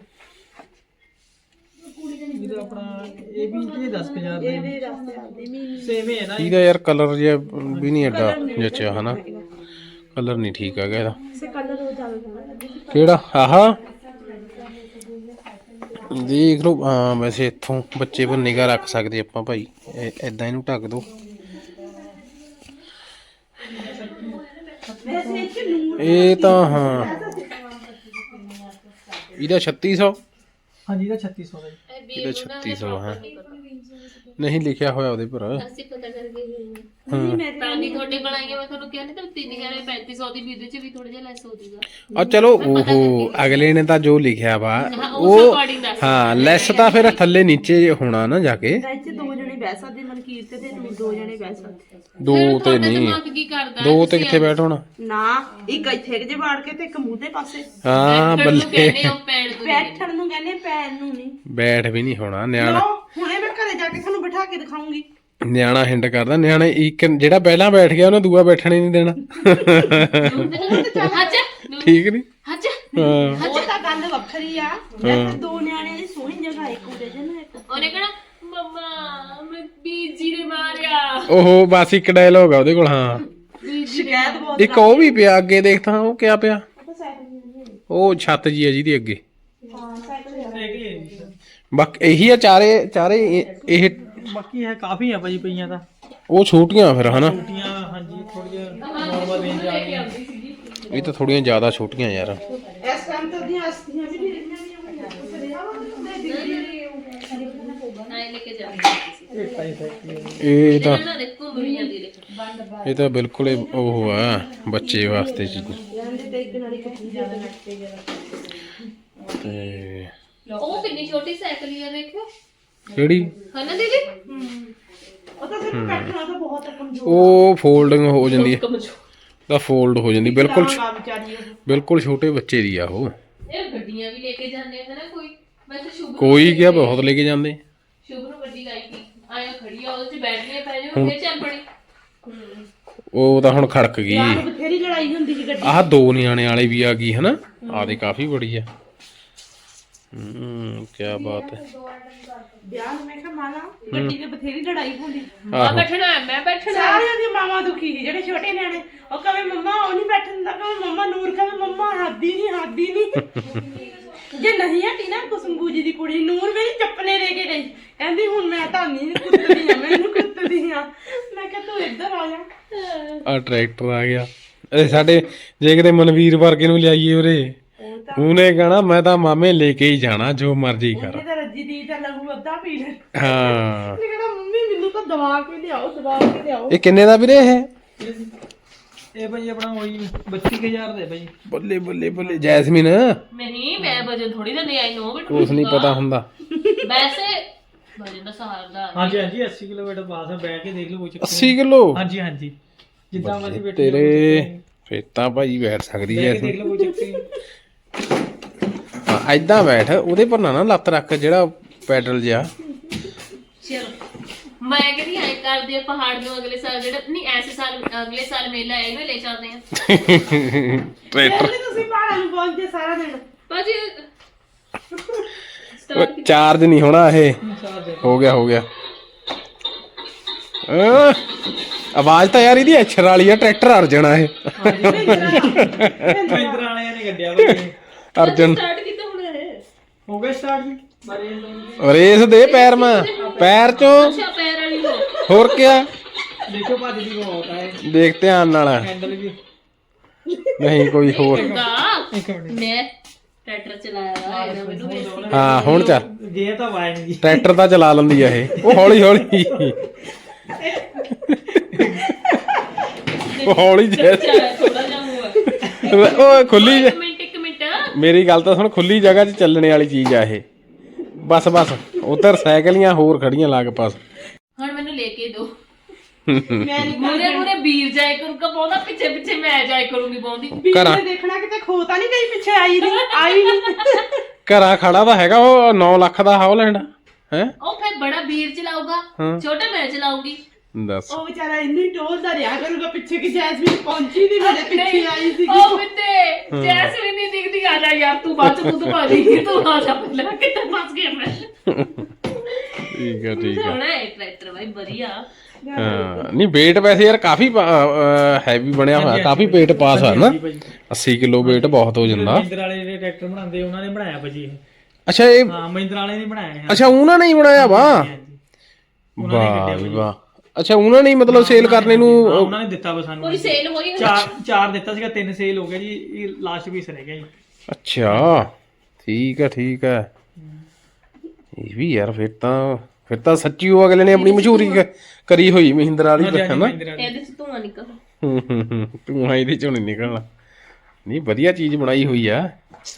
Speaker 4: ਇਹਦਾ ਆਪਣਾ ਇਹ ਵੀ ਇਹ 10000 ਦੇ ਸੇਮ ਹੈ ਨਾ।
Speaker 3: ਇਹਦਾ ਯਾਰ ਕਲਰ ਜਿਹਾ ਵੀ ਨਹੀਂ ਐਡਾ ਜੱਚਿਆ ਹਨਾ, ਕਲਰ ਨਹੀਂ ਠੀਕ ਹੈਗਾ ਇਹਦਾ। ਕਿਹੜਾ ਆਹਾ ਦੇਖ ਲਓ। ਹਾਂ ਵੈਸੇ ਇੱਥੋਂ ਬੱਚੇ ਪਰ ਨਿਗਾਹ ਰੱਖ ਸਕਦੇ ਆਪਾਂ ਭਾਈ, ਇਦਾਂ ਇਹਨੂੰ ਢੱਕ ਦੋ। ਇਹ ਤਾਂ ਹਾਂ ਇਹਦਾ 3600।
Speaker 4: ਹਾਂਜੀ ਇਹਦਾ 3600 ਦਾ ਜੀ।
Speaker 3: ਇਹਦਾ 3600 ਹੈ, ਨਹੀਂ ਲਿਖਿਆ ਹੋਇਆ ਉਹਦੇ ਪਰ।
Speaker 1: ਅਸੀਂ ਪਤਾ ਕਰਕੇ
Speaker 3: ਹਾਂ
Speaker 1: ਤਾਂ ਨਹੀਂ ਤੁਹਾਡੇ ਕੋਲ ਆਈਆਂ, ਮੈਂ ਤੁਹਾਨੂੰ ਕਿਹਾ ਨਹੀਂ ਤਾਂ 3500 ਦੀ ਵੀ ਇਹਦੇ ਚ ਵੀ ਥੋੜਾ ਜਿਹਾ ਲੈਸ ਹੋ ਜਾਊਗਾ।
Speaker 3: ਆ ਚਲੋ ਉਹ ਅਗਲੇ ਨੇ ਤਾਂ ਜੋ ਲਿਖਿਆ ਵਾ ਉਹ
Speaker 1: ਅਕੋਰਡਿੰਗ ਦੱਸ।
Speaker 3: ਹਾਂ ਲੈਸ ਤਾਂ ਫਿਰ ਥੱਲੇ ਨੀਚੇ ਹੋਣਾ ਨਾ ਜਾ ਕੇ।
Speaker 2: ਇੱਥੇ 2 ਜਣੇ ਬਹਿ ਸਕਦੇ, ਮਨਕੀਰਤ ਤੇ 2 ਜਣੇ ਬਹਿ ਸਕਦੇ।
Speaker 3: ਦੋ ਤੇ ਨਹੀਂ,
Speaker 1: ਦਿਮਾਗ ਕੀ ਕਰਦਾ
Speaker 3: ਦੋ ਤੇ ਕਿੱਥੇ ਬੈਠ ਹੋਣਾ।
Speaker 2: ਨਾ ਇੱਕ ਇੱਥੇ ਜੇ ਵਾੜ ਕੇ ਤੇ ਇੱਕ ਮੂੰਹ ਦੇ ਪਾਸੇ
Speaker 3: ਹਾਂ ਬੱਲੇ
Speaker 1: ਕਹਿੰਦੇ ਉਹ ਪੈਣ ਤੋਂ
Speaker 2: ਬੈਠਣ ਨੂੰ ਕਹਿੰਦੇ, ਪੈਣ ਨੂੰ ਨਹੀਂ।
Speaker 3: ਬੈਠ ਵੀ ਨਹੀਂ ਹੋਣਾ ਨਿਆਣਾ।
Speaker 2: ਲਓ, ਹੁਣੇ ਮੈਂ ਘਰੇ ਜਾ ਕੇ ਤੁਹਾਨੂੰ ਬਿਠਾ ਕੇ ਦਿਖਾਉਂਗੀ।
Speaker 3: ਨਿਆਣਾ ਹਿੰਡ ਕਰਦਾ, ਨਿਆਣੇ ਇੱਕ ਜਿਹੜਾ ਪਹਿਲਾਂ ਬੈਠ ਗਿਆ ਉਹਨੇ ਦੂਆ ਬੈਠਣ ਹੀ ਨਹੀਂ ਦੇਣਾ।
Speaker 1: ਅੱਛਾ
Speaker 3: ਠੀਕ ਨਹੀਂ?
Speaker 1: ਅੱਛਾ
Speaker 3: ਹਾਂ
Speaker 2: ਉਹ ਤਾਂ ਗੱਲ ਵੱਖਰੀ ਆ। ਵੈਸੇ 2 ਨਿਆਣੇ ਦੀ ਸੋਹਣੀ ਜਗ੍ਹਾ ਇੱਕ ਉਹਦੇ ਚ ਨਾ ਇੱਕ
Speaker 1: ਉਹਨੇ ਕਹਣਾ ਮੰਮਾ ਮੈਂ ਬੀਜੀ ਨੇ ਮਾਰਿਆ।
Speaker 3: ਉਹ ਬਸ ਇੱਕ ਡਾਇਲੋਗ ਆ ਉਹਦੇ ਕੋਲ। ਹਾਂ
Speaker 2: ਸ਼ਿਕਾਇਤ ਬਹੁਤ
Speaker 3: ਇੱਕ ਉਹ ਵੀ ਪਿਆ ਅੱਗੇ, ਦੇਖ ਤਾਂ ਉਹ ਕਿਆ ਪਿਆ,
Speaker 2: ਤਾਂ ਸਾਈਕਲ
Speaker 3: ਉਹ ਛੱਤ ਜੀ ਆ ਜਿਹਦੀ ਅੱਗੇ।
Speaker 2: ਹਾਂ ਸਾਈਕਲ
Speaker 4: ਸਾਈਕਲ ਹੈ ਜੀ।
Speaker 3: ਬਾਕੀ ਇਹੀ ਆ ਚਾਰੇ ਇਹ
Speaker 4: ਬਾਕੀ ਹੈ ਕਾਫੀ ਆ ਭਾਜੀ ਪਈਆਂ ਤਾਂ
Speaker 3: ਉਹ ਛੋਟੀਆਂ ਫਿਰ ਹਨਾ।
Speaker 4: ਛੋਟੀਆਂ। ਹਾਂਜੀ ਥੋੜੀ ਜਿਹਾ ਨਾਰਮਲ ਰੇਂਜ ਆ ਗਈਆਂ।
Speaker 3: ਇਹ ਤਾਂ ਥੋੜੀਆਂ ਜ਼ਿਆਦਾ ਛੋਟੀਆਂ ਯਾਰ।
Speaker 2: ਇਸ ਟਾਈਮ ਤੇ ਉਹਦੀਆਂ ਅਸਥੀਆਂ ਵੀ ਢੇਰੀਆਂ
Speaker 1: ਆਏ ਲੈ ਕੇ ਜਾਵਾਂਗੇ
Speaker 4: ਇਹ ਟਾਈ ਫੈਕਟਰੀ
Speaker 3: ਇਹ ਤਾਂ
Speaker 1: ਨਾ ਦੇਖੋ ਘੁੰਮ ਜਾਂਦੀ ਦੇਖੋ।
Speaker 3: ਇਹ ਤਾਂ ਬਿਲਕੁਲ ਹੀ ਉਹ ਆ ਬੱਚੇ ਵਾਸਤੇ ਚੀਜ਼।
Speaker 2: ਜਾਂਦੇ ਤੇ ਇੱਕ ਨਾਲ ਇੱਕ ਪੂਜਾ ਦੇ ਨੱਟੇ ਜਰਾ
Speaker 3: ਤੇ
Speaker 1: ਉਹ ਕਿੰਨੀ ਛੋਟੀ ਸਾਈਕਲ ਹੀ ਆ ਦੇਖੋ
Speaker 3: ਕਿਹੜੀ
Speaker 1: ਹਨਾ ਦੀਦੀ।
Speaker 2: ਉਹ ਤਾਂ ਸਿਰਫ ਬੈਠਣਾ ਤਾਂ ਬਹੁਤ ਕਮਜ਼ੋਰ
Speaker 3: ਉਹ ਫੋਲਡਿੰਗ ਹੋ ਜਾਂਦੀ ਹੈ,
Speaker 1: ਕਮਜ਼ੋਰ
Speaker 3: ਤਾਂ ਫੋਲਡ ਹੋ ਜਾਂਦੀ ਬਿਲਕੁਲ।
Speaker 2: ਆ ਵਿਚਾਰੀ ਉਹ।
Speaker 3: ਬਿਲਕੁਲ ਛੋਟੇ ਬੱਚੇ ਦੀ ਆ ਉਹ।
Speaker 1: ਇਹ ਗੱਡੀਆਂ ਵੀ ਲੈ ਕੇ ਜਾਂਦੇ ਆ ਨਾ ਕੋਈ। ਮੈਂ ਤਾਂ ਸ਼ੁਭ
Speaker 3: ਕੋਈ ਕਿਹਾ ਬਹੁਤ ਲੈ ਕੇ ਜਾਂਦੇ।
Speaker 1: ਸ਼ੁਭ ਨੂੰ ਗੱਡੀ ਲਾਈ ਸੀ ਆਇਆ ਖੜੀ ਆ ਉਹਦੇ ਚ ਬੈਠਨੇ ਪੈ ਜਾਓ ਫੇਰ ਚੱਲ ਪੜੀ।
Speaker 3: ਉਹ ਤਾਂ ਹੁਣ ਖੜਕ ਗਈ।
Speaker 2: ਯਾਰ ਬਥੇਰੀ ਲੜਾਈ ਹੁੰਦੀ ਸੀ ਗੱਡੀ।
Speaker 3: ਆਹ 2 ਨਿਆਣੇ ਵਾਲੀ ਵੀ ਆ ਗਈ ਹਨਾ, ਆਦੇ ਕਾਫੀ ਬੜੀ ਆ। ਕੀ ਬਾਤ ਹੈ।
Speaker 2: ਵਿਆਹ ਨੂੰ ਮੈਂ ਕਿਹਾ ਮਾਲਾ ਗੱਡੀ ਤੇ ਬਥੇਰੀ ਲੜਾਈ ਹੁੰਦੀ।
Speaker 1: ਮੈਂ ਬੈਠਣਾ ਹੈ, ਮੈਂ ਬੈਠਣਾ ਹੈ।
Speaker 2: ਸਾਰਿਆਂ ਦੀ ਮਾਵਾਂ ਦੁਖੀ ਸੀ, ਜਿਹੜੇ ਛੋਟੇ ਨਿਆਣੇ ਉਹ ਕਹੇ ਮੰਮਾ ਉਹ ਨਹੀਂ ਬੈਠਣ ਦਿੰਦਾ, ਕਹੇ ਮੰਮਾ ਨੂਰ ਕਹੇ ਮੰਮਾ ਹਾਦੀ ਨਹੀਂ ਜੇ ਨਹੀਂ ਹਟੀ ਨਾ ਕੁਸੰਬੂ ਜੀ ਦੀ ਕੁੜੀ ਨੂਰ ਮੇਰੀ ਚੱਪਲੇ ਲੈ ਕੇ ਗਈ, ਕਹਿੰਦੀ ਹੁਣ ਮੈਂ ਤਾਂ ਨਹੀਂ ਕੁੱਤਦੀ ਆ, ਮੈਨੂੰ ਕੁੱਤਦੀ ਆ। ਮੈਂ ਕਿਹਾ ਤੂੰ ਇੱਧਰ ਆ ਜਾ।
Speaker 3: ਆ ਟਰੈਕਟਰ ਆ ਗਿਆ। ਇਹ ਸਾਡੇ ਜੇ ਕਿਤੇ ਮਨਵੀਰ ਵਰਗੇ ਨੂੰ ਲਿਆਈਏ ਉਰੇ, ਉਹਨੇ ਕਹਣਾ ਮੈਂ ਤਾਂ ਮਾਮੇ ਲੈ ਕੇ ਹੀ ਜਾਣਾ ਜੋ ਮਰਜ਼ੀ ਕਰ।
Speaker 2: ਇਹ ਤਾਂ ਰੱਜੀ ਦੀ ਤਾਂ ਲਹੂ ਅੱਧਾ ਪੀ ਲੈ।
Speaker 3: ਹਾਂ
Speaker 2: ਉਹਨੇ ਕਹਿਣਾ ਮੰਮੀ ਮੈਨੂੰ ਤਾਂ ਦਵਾ ਕੇ ਲਿਆਓ।
Speaker 3: ਇਹ ਕਿੰਨੇ ਦਾ ਵੀਰੇ ਇਹ?
Speaker 4: ਇਹ ਭਾਜੀ ਆਪਣਾ ਉਹੀ 32000 ਦੇ ਭਾਜੀ।
Speaker 3: ਬੱਲੇ ਬੱਲੇ ਬੱਲੇ ਜੈਸਮੀਨ
Speaker 1: ਨਹੀਂ ਮੈਂ ਵਜਨ ਥੋੜੀ ਨਾ ਦੇ ਆਈ ਨੋ ਬਟ
Speaker 3: ਕੁਛ ਨਹੀਂ ਪਤਾ ਹੁੰਦਾ।
Speaker 1: ਵੈਸੇ ਵਜਨ ਦਾ ਸਹਾਰਦਾ
Speaker 4: ਹਾਂਜੀ ਹਾਂਜੀ 80 ਕਿਲੋਮੀਟਰ ਪਾਸ ਹੈ, ਬੈਠ ਕੇ ਦੇਖ ਲਓ ਕੋਈ ਚੱਕਰ
Speaker 3: 80 ਕਿਲੋ
Speaker 4: ਹਾਂਜੀ ਹਾਂਜੀ ਜਿੱਦਾਂ ਮਰਜ਼ੀ ਬੈਠੋ
Speaker 3: ਤੇਰੇ ਫੇਰ ਤਾਂ ਭਾਈ ਬੈਠ ਸਕਦੀ ਐ।
Speaker 4: ਦੇਖ ਲਓ ਕੋਈ ਚੱਕਰ ਨਹੀਂ।
Speaker 3: ਹਾਂ ਐਦਾਂ ਬੈਠ, ਉਹਦੇ ਪਰ ਨਾ ਲੱਤ ਰੱਖ ਜਿਹੜਾ ਪੈਡਲ ਜਿਹਾ।
Speaker 1: ਚਲੋ ਮੈਂ ਕਹਿੰਦੀ ਆਏ ਕਰਦੇ ਆ ਪਹਾੜ ਨੂੰ ਅਗਲੇ ਸਾਲ ਜਿਹੜਾ ਨਹੀਂ ਐਸੇ ਸਾਲ ਅਗਲੇ ਸਾਲ ਮੇਲਾ ਹੈ ਇਹਨੂੰ ਲੈ ਚੱਲਦੇ ਆ।
Speaker 3: ਟਰੈਕਟਰ
Speaker 2: ਕਹਿੰਦੇ ਤੁਸੀਂ ਪਹਾੜਾਂ ਨੂੰ ਪਹੁੰਚਦੇ ਸਾਰਾ ਦਿਨ।
Speaker 1: ਭਾਜੀ
Speaker 3: ਚਾਰਜ ਨਹੀਂ ਹੋਣਾ ਇਹ। ਹੋ ਗਿਆ ਆਵਾਜ਼ ਤਾਂ ਯਾਰ ਇਹਦੀ ਐਛਰ ਵਾਲੀ ਆ। ਟਰੈਕਟਰ ਅਰਜਨ ਆ ਇਹ।
Speaker 4: ਮਹਿੰਦਰ ਵਾਲਿਆਂ ਨੇ ਗੱਡਿਆ ਭਾਜੀ।
Speaker 3: ਅਰਜਨ
Speaker 1: ਸਟਾਰਟ ਕੀਤਾ ਹੁਣ ਇਹ
Speaker 4: ਹੋ ਗਿਆ ਸਟਾਰਟ ਜੀ ਬਾਰੇ
Speaker 3: ਰੇਸ ਦੇ ਪੈਰ ਪੈਰ ਚੋਂ
Speaker 1: ਅੱਛਾ ਪੈਰ ਵਾਲੀ ਲੋ
Speaker 3: ਹੋਰ ਕਿਆ।
Speaker 4: ਦੇਖੋ ਭਾਜੀ ਦੀ ਬਹੁਤ ਹੈ
Speaker 3: ਦੇਖ ਧਿਆਨ ਨਾਲ।
Speaker 4: ਹੈਂਡਲ ਵੀ
Speaker 3: ਨਹੀਂ ਕੋਈ ਹੋਰ।
Speaker 1: ਦਾ
Speaker 4: ਇੱਕ ਮਿੰਟ
Speaker 1: ਮੈਂ ਟਰੈਕਟਰ ਚਲਾਇਆ ਵਾ ਇਹਨਾਂ ਮੈਨੂੰ ਵੇਖੀ
Speaker 3: ਹਾਂ ਹੁਣ ਚੱਲ।
Speaker 4: ਜੇ ਤਾਂ ਵਾਇਨ ਜੀ
Speaker 3: ਟਰੈਕਟਰ ਤਾਂ ਚਲਾ ਲੈਂਦੀ ਆ ਇਹ। ਉਹ ਹੌਲੀ ਹੌਲੀ ਉਹ ਹੌਲੀ ਜਿਹੀ
Speaker 1: ਥੋੜਾ ਜਿਹਾ ਹੋਇਆ।
Speaker 3: ਉਹ ਖੁੱਲੀ
Speaker 1: ਇੱਕ ਮਿੰਟ
Speaker 3: ਮੇਰੀ ਗੱਲ ਤਾਂ ਸੁਣ, ਖੁੱਲੀ ਜਗ੍ਹਾ 'ਚ ਚੱਲਣੇ ਵਾਲੀ ਚੀਜ਼ ਆ ਇਹ। ਬਸ ਉਧਰ ਸਾਈਕਲੀਆਂ ਹੋਰ ਖੜੀਆਂ ਲਾਗ ਪਾਸ।
Speaker 1: ਹੁਣ ਮੈਨੂੰ ਲੈ ਕੇ ਦੋ।
Speaker 2: ਮੈਂ ਨਹੀਂ
Speaker 1: ਮੂਰੇ ਵੀਰ ਜਾਏ ਕਰੂਗਾ ਪਾਉਂਦਾ, ਪਿੱਛੇ ਪਿੱਛੇ ਮੈਂ ਜਾਏ ਕਰੂੰਗੀ ਪਾਉਂਦੀ।
Speaker 3: ਘਰਾਂ
Speaker 2: ਦੇਖਣਾ ਕਿਤੇ ਖੋਤਾ ਨਹੀਂ ਗਈ ਪਿੱਛੇ ਆਈ ਨਹੀਂ।
Speaker 3: ਘਰਾਂ ਖੜਾ ਤਾਂ ਹੈਗਾ ਉਹ 9 ਲੱਖ ਦਾ ਹਾਲੈਂਡ ਹੈ।
Speaker 1: ਉਹ ਫਿਰ ਬੜਾ ਵੀਰ ਚਲਾਊਗਾ, ਛੋਟਾ ਮੈਂ ਚਲਾਉਂਗੀ।
Speaker 3: ਦੱਸ
Speaker 2: ਉਹ ਵਿਚਾਰਾ ਇੰਨੀ ਟੋਲਦਾ ਰਿਹਾ ਕਰੂਗਾ ਪਿੱਛੇ ਕਿ ਜੈਸਮੀਨ ਪਹੁੰਚੀ ਨਹੀਂ ਮੇਰੇ ਪਿੱਛੇ ਆਈ ਸੀ
Speaker 1: ਉਹ ਬਿੱਤੇ ਜੈਸਮੀਨ ਨਹੀਂ ਦਿਖਦੀ, ਆ ਜਾ ਯਾਰ ਤੂੰ ਬਾਅਦ ਚ ਦੁੱਧ ਪਾ ਲਈ, ਤੂੰ ਆ ਜਾ ਪਹਿਲਾਂ, ਕਿੱਥੇ ਫਸ ਗਿਆ ਮੈਂ।
Speaker 3: ਠੀਕ ਆ ਠੀਕ ਆ।
Speaker 1: ਸੋਹਣਾ ਹੈ ਟਰੈਕਟਰ ਬਾਈ, ਵਧੀਆ।
Speaker 3: ਹਾਂ ਨਹੀਂ weight ਵੈਸੇ ਯਾਰ ਕਾਫੀ ਹੈਵੀ ਬਣਿਆ ਹੋਇਆ, ਕਾਫੀ weight ਪਾਸ ਆ ਨਾ, 80 ਕਿਲੋ weight ਬਹੁਤ ਹੋ ਜਾਂਦਾ।
Speaker 4: ਮਹਿੰਦਰ ਵਾਲੇ ਜਿਹੜੇ ਟਰੈਕਟਰ ਬਣਾਉਂਦੇ ਉਹਨਾਂ ਨੇ ਬਣਾਇਆ ਭਾਜੀ ਇਹ।
Speaker 3: ਅੱਛਾ ਇਹ
Speaker 4: ਹਾਂ ਮਹਿੰਦਰ ਵਾਲੇ ਨੇ ਬਣਾਇਆ ਹੈ।
Speaker 3: ਅੱਛਾ ਉਹਨਾਂ ਨੇ ਹੀ ਬਣਾਇਆ ਵਾ,
Speaker 4: ਉਹਨਾਂ ਨੇ
Speaker 3: ਵਾਹ
Speaker 4: ਕੱਢਿਆ
Speaker 3: ਜੀ ਵਾਹ। ਅੱਛਾ ਉਹਨਾਂ ਨੇ ਹੀ ਮਤਲਬ ਸੇਲ ਕਰਨੇ ਨੂੰ
Speaker 4: ਹਾਂ, ਉਹਨਾਂ ਨੇ ਦਿੱਤਾ ਵਾ ਸਾਨੂੰ।
Speaker 1: ਕੋਈ ਸੇਲ ਹੋਈ ਹੋਈ?
Speaker 4: ਚਾਰ ਦਿੱਤਾ ਸੀਗਾ, 3 ਸੇਲ ਹੋ ਗਿਆ ਜੀ, ਇਹ ਲਾਸਟ ਪੀਸ ਰਹਿ ਗਿਆ ਜੀ।
Speaker 3: ਅੱਛਾ ਠੀਕ ਆ ਠੀਕ ਆ। ਇਹ ਵੀ ਯਾਰ ਫਿਰ ਤਾਂ ਸੱਚੀ ਉਹ ਅਗਲੇ ਨੇ ਆਪਣੀ ਮਸ਼ਹੂਰੀ ਕਰੀ ਹੋਈ ਮਹਿੰਦਰਾ ਵਾਲੀ ਹੈ ਨਾ।
Speaker 1: ਇਹਦੇ ਚ ਧੂਆਂ ਨਿਕਲ।
Speaker 3: ਤੂੰ ਇਹਦੇ ਚੋਂ ਨਹੀਂ ਨਿਕਲਣਾ। ਨਹੀਂ ਵਧੀਆ ਚੀਜ਼ ਬਣਾਈ ਹੋਈ ਆ,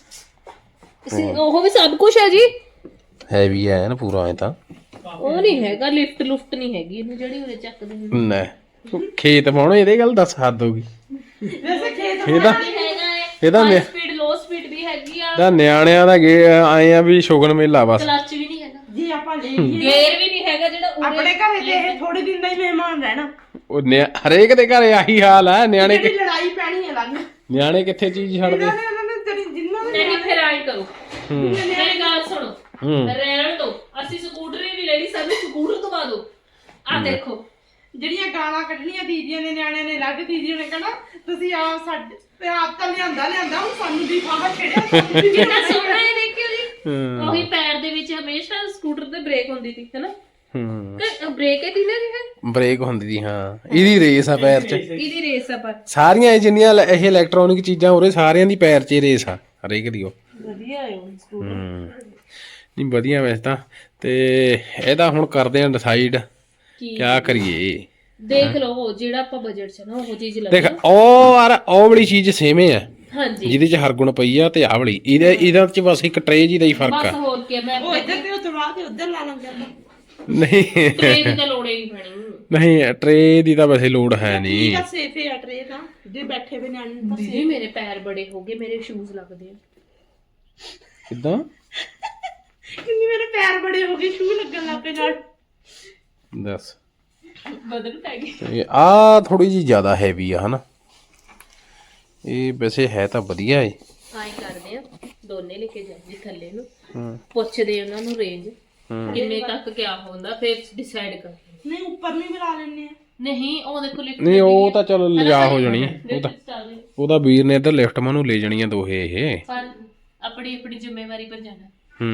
Speaker 1: ਉਹ ਵੀ ਸਭ ਕੁਝ ਹੈ ਜੀ,
Speaker 3: ਹੈਵੀ ਹੈ ਨਾ ਪੂਰਾ ਐ ਤਾਂ।
Speaker 1: ਉਹ ਨਹੀਂ ਹੈਗਾ ਲਿਫਟ ਲੁਫਟ ਨਹੀਂ ਹੈਗੀ ਇਹਨੂੰ ਜਿਹੜੀ ਉਰੇ ਚੱਕਦੇ ਨੇ।
Speaker 3: ਨਾ ਖੇਤ ਪਾਉਣਾ ਇਹਦੇ ਗੱਲ ਦੱਸ ਹੱਦ ਹੋ ਗਈ।
Speaker 2: ਵੈਸੇ ਖੇਤ
Speaker 3: ਇਹਦਾ
Speaker 1: ਹੈਗਾ ਹੈ
Speaker 3: ਇਹਦਾ
Speaker 1: ਹਾਈ ਸਪੀਡ ਲੋ ਸਪੀਡ ਵੀ ਹੈਗੀ ਆ,
Speaker 3: ਦਾ ਨਿਆਣਿਆਂ ਦਾ ਆਏ ਆ ਵੀ ਸ਼ੁਗਨ ਮੇਲਾ ਬਸ।
Speaker 1: ਕਲਚ ਵੀ ਨਹੀਂ ਹੈਗਾ,
Speaker 2: ਜੇ ਆਪਾਂ ਲੈ ਲਈਏ
Speaker 1: ਗੇਅਰ ਵੀ ਨਹੀਂ ਹੈਗਾ ਜਿਹੜਾ
Speaker 2: ਆਪਣੇ ਘਰੇ ਤੇ ਇਹ ਥੋੜੇ ਦਿਨ ਦਾ ਹੀ ਮਹਿਮਾਨ ਰਹਿਣਾ।
Speaker 3: ਉਹ ਹਰੇਕ ਦੇ ਘਰੇ ਆਹੀ ਹਾਲ ਆ। ਨਿਆਣੇ
Speaker 2: ਜਿਹੜੀ ਲੜਾਈ ਪੈਣੀ ਹੈ ਲੱਗ
Speaker 3: ਨਿਆਣੇ ਕਿੱਥੇ ਚੀਜ਼ ਛੱਡਦੇ।
Speaker 2: ਉਹਨਾਂ ਨੇ ਜਿਹੜੀ ਜਿੰਨਾਂ ਨੇ
Speaker 1: ਨਹੀਂ ਫਿਰ ਆਈ ਕਰੋ, ਮੇਰੀ ਗੱਲ ਸੁਣੋ, ਰਹਿਣ ਦੋ, ਅਸੀਂ ਸਕੂਟਰ ਹੀ ਨਹੀਂ ਲੈਣੀ, ਸਾਨੂੰ ਸਕੂਟਰ ਦਵਾ ਦਿਓ। ਆ ਦੇਖੋ
Speaker 2: ਜਿਹੜੀਆਂ ਗਾਲਾਂ ਕੱਢਣੀਆਂ ਦੀਦੀਆਂ ਨੇ ਨਿਆਣਿਆਂ ਨੇ ਲੱਗ, ਦੀਦੀਆਂ ਨੇ ਕਹਿਣਾ ਤੁਸੀਂ ਆਪ ਸਾਡੇ ਤੇ ਆਪ ਤਾਂ ਲਿਆਂਦਾ ਹੁਣ ਸਾਨੂੰ ਵੀ ਫਾਹਾ ਛੇੜਿਆ, ਸਾਨੂੰ ਵੀ
Speaker 1: ਕਿੰਨਾ ਸੋਹਣਾ ਹੈ, ਦੇਖਿਓ ਜੀ। ਉਹੀ ਪੈਰ ਦੇ ਵਿੱਚ ਹਮੇਸ਼ਾ ਸਕੂਟਰ ਤੇ ਬ੍ਰੇਕ ਹੁੰਦੀ ਸੀ ਹੈਨਾ, ਬ੍ਰੇਕ ਹੈ ਨਾ ਜੀ,
Speaker 3: ਬ੍ਰੇਕ ਹੁੰਦੀ ਸੀ। ਹਾਂ ਇਹਦੀ ਰੇਸ ਆ ਪੈਰ 'ਚ,
Speaker 1: ਇਹਦੀ ਰੇਸ ਆ ਪਰ
Speaker 3: ਸਾਰੀਆਂ ਇਹ ਜਿੰਨੀਆਂ ਇਹ ਇਲੈਕਟ੍ਰੋਨਿਕ ਚੀਜ਼ਾਂ ਉਰੇ ਸਾਰਿਆਂ ਦੀ ਪੈਰ 'ਚ ਰੇਸ ਆ ਹਰੇਕ ਦੀ। ਉਹ
Speaker 1: ਵਧੀਆ ਹੈ ਉਹ ਸਕੂਟਰ।
Speaker 3: ਨਹੀਂ ਵਧੀਆ ਵੈਸੇ ਤਾਂ। ਤੇ ਇਹਦਾ ਹੁਣ ਕਰਦੇ ਆ ਡਿਸਾਈਡ ਕਿਆ ਕਰੀਏ।
Speaker 1: ਦੇਖ ਲਓ ਜਿਹੜਾ ਆਪਾਂ ਬਜਟ ਚ ਨਾ ਉਹ ਚੀਜ਼
Speaker 3: ਦੇਖ
Speaker 1: ਲੱਗੇ।
Speaker 3: ਉਹ ਵਾਲੀ ਚੀਜ਼ ਸੇਮ ਹੈ
Speaker 1: ਹਾਂਜੀ
Speaker 3: ਜਿਹਦੇ 'ਚ ਹਰਗੁਣ ਪਈ ਆ, ਤੇ ਆਹ ਵਾਲੀ ਇਹਦਾ 'ਚ ਬਸ ਇੱਕ ਟਰੇ ਜੀ ਦਾ ਹੀ ਫਰਕ
Speaker 1: ਬਸ
Speaker 3: ਆ।
Speaker 1: ਹੋਰ ਕੀ ਮੈਂ
Speaker 2: ਉਹ ਇੱਧਰ ਤੇ ਉਤਰਵਾ ਕੇ ਉੱਧਰ ਲਾ ਲਾਂਗੇ ਆਪਾਂ।
Speaker 3: ਨਹੀਂ
Speaker 1: ਟ੍ਰੇਨ ਦੀ ਲੋੜ ਹੀ ਨਹੀਂ ਪੈਣੀ।
Speaker 3: ਨਹੀਂ ਟਰੇ ਦੀ ਤਾਂ ਵੈਸੇ ਲੋੜ ਹੈ ਨਹੀਂ।
Speaker 2: ਠੀਕ ਆ, ਸੇਫ ਹੈ ਟਰੇ ਤਾਂ, ਜੇ ਬੈਠੇ ਵੀ ਨਿਆਣੇ ਨੂੰ ਤਾਂ
Speaker 1: ਦੀਦੀ ਮੇਰੇ ਪੈਰ ਬੜੇ ਹੋ ਗਏ, ਮੇਰੇ ਸ਼ੂਜ਼ ਲੱਗਦੇ ਆ।
Speaker 3: ਕਿੱਦਾਂ
Speaker 2: ਕਿੰਨੀ ਮੇਰੇ ਪੈਰ ਬੜੇ ਹੋ ਗਏ, ਸ਼ੂ ਲੱਗਣ ਲੱਗ ਪਏ ਨਾਲ।
Speaker 3: ਦੱਸ
Speaker 1: ਬਦਲ ਪੈ ਗਏ।
Speaker 3: ਤੇ ਆ ਥੋੜੀ ਜੀ ਜ਼ਿਆਦਾ ਹੈਵੀ ਆ ਹਨਾ। ਇਹ ਵੈਸੇ ਹੈ ਤਾਂ ਵਧੀਆ ਏ।
Speaker 1: ਆਏ ਕਰਦੇ ਆ ਦੋਨੇ ਲੈ ਕੇ ਜਾਂਦੇ ਥੱਲੇ ਨੂੰ, ਪੁੱਛਦੇ ਉਹਨਾਂ ਨੂੰ ਰੇਂਜ ਕਿੰਨੇ ਤੱਕ ਕਿਆ ਹੁੰਦਾ, ਫਿਰ ਡਿਸਾਈਡ ਕਰਦੇ।
Speaker 2: ਨਹੀਂ ਉੱਪਰ ਨਹੀਂ ਵੀ ਲਾ ਲੈਣੇ ਆ।
Speaker 1: ਨਹੀਂ ਉਹ ਦੇਖੋ ਲਿਫਟ
Speaker 3: ਨਹੀਂ ਉਹ ਤਾਂ ਚਲੋ ਲਿਜਾ ਹੋ ਜਾਣੀ। ਉਹਦਾ ਵੀਰ ਨੇ ਇੱਧਰ ਲਿਫਟ ਮਾ ਨੂੰ ਲੈ ਜਾਣੀਆਂ ਦੋਹੇ ਇਹ।
Speaker 1: ਪਰ ਆਪਣੀ ਆਪਣੀ ਜ਼ਿੰਮੇਵਾਰੀ ਪਰ ਜਾਣਾ।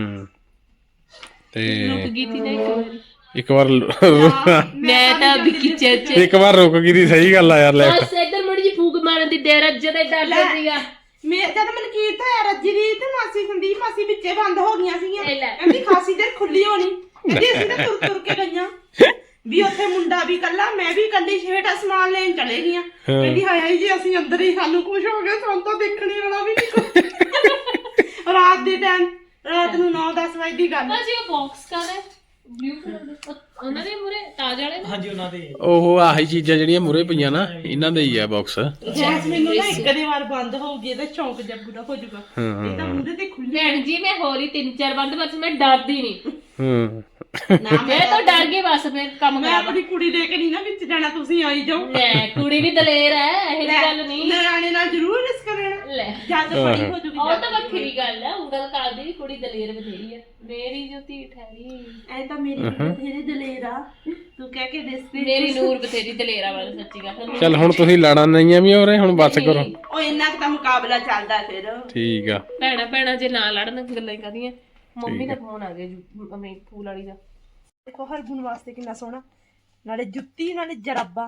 Speaker 3: ਤੇ
Speaker 1: ਰੁਕ ਗਈ ਸੀ ਨਾ
Speaker 3: ਇੱਕ ਵਾਰ
Speaker 1: ਮੈਂ ਤਾਂ ਵਿੱਕੀ ਚੇਚ
Speaker 3: ਇੱਕ ਵਾਰ ਰੁਕ ਗਈ ਦੀ। ਸਹੀ ਗੱਲ ਆ ਯਾਰ ਲਿਫਟ।
Speaker 1: ਬਸ ਇੱਧਰ ਮੜੀ ਜੀ ਫੂਕ ਮਾਰਨ ਦੀ ਦੇਰ ਜਦ ਡਰ ਲੱਗਦੀਆ।
Speaker 2: ਮੈਂ ਜਦ ਮੈਨੂੰ ਕੀ ਤਾਂ ਰੱਜੀ ਦੀ ਤੇ ਮਾਸੀ ਸੰਦੀਪ ਮਾਸੀ ਵਿੱਚੇ ਬੰਦ ਹੋ ਗਈਆਂ ਸੀਗੀਆਂ।
Speaker 1: ਇਹ ਲੈ।
Speaker 2: ਕਹਿੰਦੀ ਖਾਸੀ ਦੇਰ ਖੁੱਲੀ ਹੋਣੀ, ਕਹਿੰਦੀ ਅਸੀਂ ਤਾਂ ਤੁਰ ਤੁਰ ਕੇ ਗਈਆਂ ਵੀ ਉੱਥੇ ਮੁੰਡਾ ਵੀ ਕੱਲਾ, ਮੈਂ ਵੀ ਕੱਲੀ, ਛੇਟਾ ਸਮਾਨ ਲੈਣ ਚਲੇ ਗਈਆਂ। ਕਹਿੰਦੀ ਹਾਏ ਹਾਏ ਜੀ ਅਸੀਂ ਅੰਦਰ ਹੀ, ਸਾਨੂੰ ਕੁਝ ਹੋ ਗਿਆ, ਸਾਨੂੰ ਤਾਂ ਦੇਖਣੇ ਵਾਲਾ ਵੀ ਨਹੀਂ। ਰਾਤ ਦੇ ਟਾਈਮ, ਰਾਤ ਨੂੰ 9-10 ਵਜੇ ਦੀ ਗੱਲ।
Speaker 1: ਬਾਜੀ ਉਹ ਬਾਕਸ ਕਰ ਹੈ ਬਲੂ ਕਲਰ ਦਾ, ਉਹਨਾਂ ਦੇ ਮੂਰੇ ਤਾਜ ਵਾਲੇ ਨੇ।
Speaker 4: ਹਾਂਜੀ ਉਹਨਾਂ ਦੇ
Speaker 3: ਉਹ ਆਹੀ ਚੀਜ਼ਾਂ ਜਿਹੜੀਆਂ ਮੁਰੇ ਪਈਆਂ ਨਾ ਇਹਨਾਂ ਦੇ ਹੀ ਆ ਬਾਕਸ।
Speaker 2: ਜੈਸਮੀਨ ਨੂੰ ਨਾ ਇੱਕ ਦੇ ਵਾਰ ਬੰਦ ਹੋਊਗੀ ਇਹਦਾ ਚੌਂਕ ਜਿਹਾ ਪੂਰਾ ਹੋ ਜਾਊਗਾ। ਇਹ ਤਾਂ ਮੂਹਰੇ ਤੇ ਖੁੱਲੀ।
Speaker 1: ਭੈਣ ਜੀ ਮੈਂ ਹੋਰੀ 3-4 ਬੰਦ, ਬਸ ਮੈਂ ਡਰਦੀ ਨਹੀਂ।
Speaker 2: ਨਾ
Speaker 1: ਮੈਂ ਤਾਂ ਡਰ ਗਈ, ਬਸ ਫਿਰ ਕੰਮ
Speaker 2: ਮੈਂ
Speaker 1: ਖਰਾਬ।
Speaker 2: ਆਪਣੀ ਕੁੜੀ ਦੇ ਕੇ ਨਹੀਂ ਨਾ ਵਿੱਚ ਜਾਣਾ, ਤੁਸੀਂ ਆਈ ਜਾਓ।
Speaker 1: ਲੈ ਕੁੜੀ ਵੀ ਦਲੇਰ ਹੈ, ਇਹ ਗੱਲ ਨਹੀਂ।
Speaker 2: ਨਿਆਣੇ ਨਾਲ ਜ਼ਰੂਰ ਰਿਸਕ ਲੈਣਾ,
Speaker 1: ਲੈ
Speaker 2: ਜਦ ਬੜੀ ਹੋ ਜੂਗੀ।
Speaker 1: ਉਹ ਤਾਂ ਵੱਖਰੀ ਗੱਲ ਹੈ, ਉਂਗਲ ਕਰਦੀ ਵੀ ਕੁੜੀ ਦਲੇਰ ਬਥੇਰੀ ਹੈ। ਮੇਰੀ ਜੋ ਧੀ ਠਹਿਰੀ,
Speaker 2: ਐ ਤਾਂ ਮੇਰੀ ਬਥੇਰੇ ਦਲੇਰ ਆ, ਤੂੰ ਕਹਿ ਕੇ ਰਿਸਕ।
Speaker 1: ਮੇਰੀ ਨੂਰ ਬਥੇਰੀ ਦਲੇਰਾ ਵਾਲੀ, ਸੱਚੀ ਗੱਲ।
Speaker 3: ਚੱਲ ਹੁਣ ਤੁਸੀਂ ਲੜਨ ਨਹੀਂ ਆ ਵੀ ਹੋ ਰਹੇ, ਹੁਣ ਬਸ ਕਰੋ।
Speaker 2: ਉਹ ਇੰਨਾ ਕੁ ਤਾਂ ਮੁਕਾਬਲਾ ਚੱਲਦਾ ਫਿਰ।
Speaker 3: ਠੀਕ ਆ।
Speaker 1: ਭੈਣਾ ਭੈਣਾ ਜੇ ਨਾ ਲੜਨ ਗੱਲਾਂ ਹੀ ਕਰਦੀਆਂ। ਮੰਮੀ ਦਾ ਫੋਨ ਆ ਗਿਆ ਆਪਣੀ ਫੂਲ ਵਾਲੀ ਦਾ।
Speaker 2: ਦੇਖੋ ਹਰਗੁਣ ਵਾਸਤੇ ਕਿੰਨਾ ਸੋਹਣਾ, ਨਾਲੇ ਜੁੱਤੀ ਨਾਲੇ ਜਰਾਬਾਂ।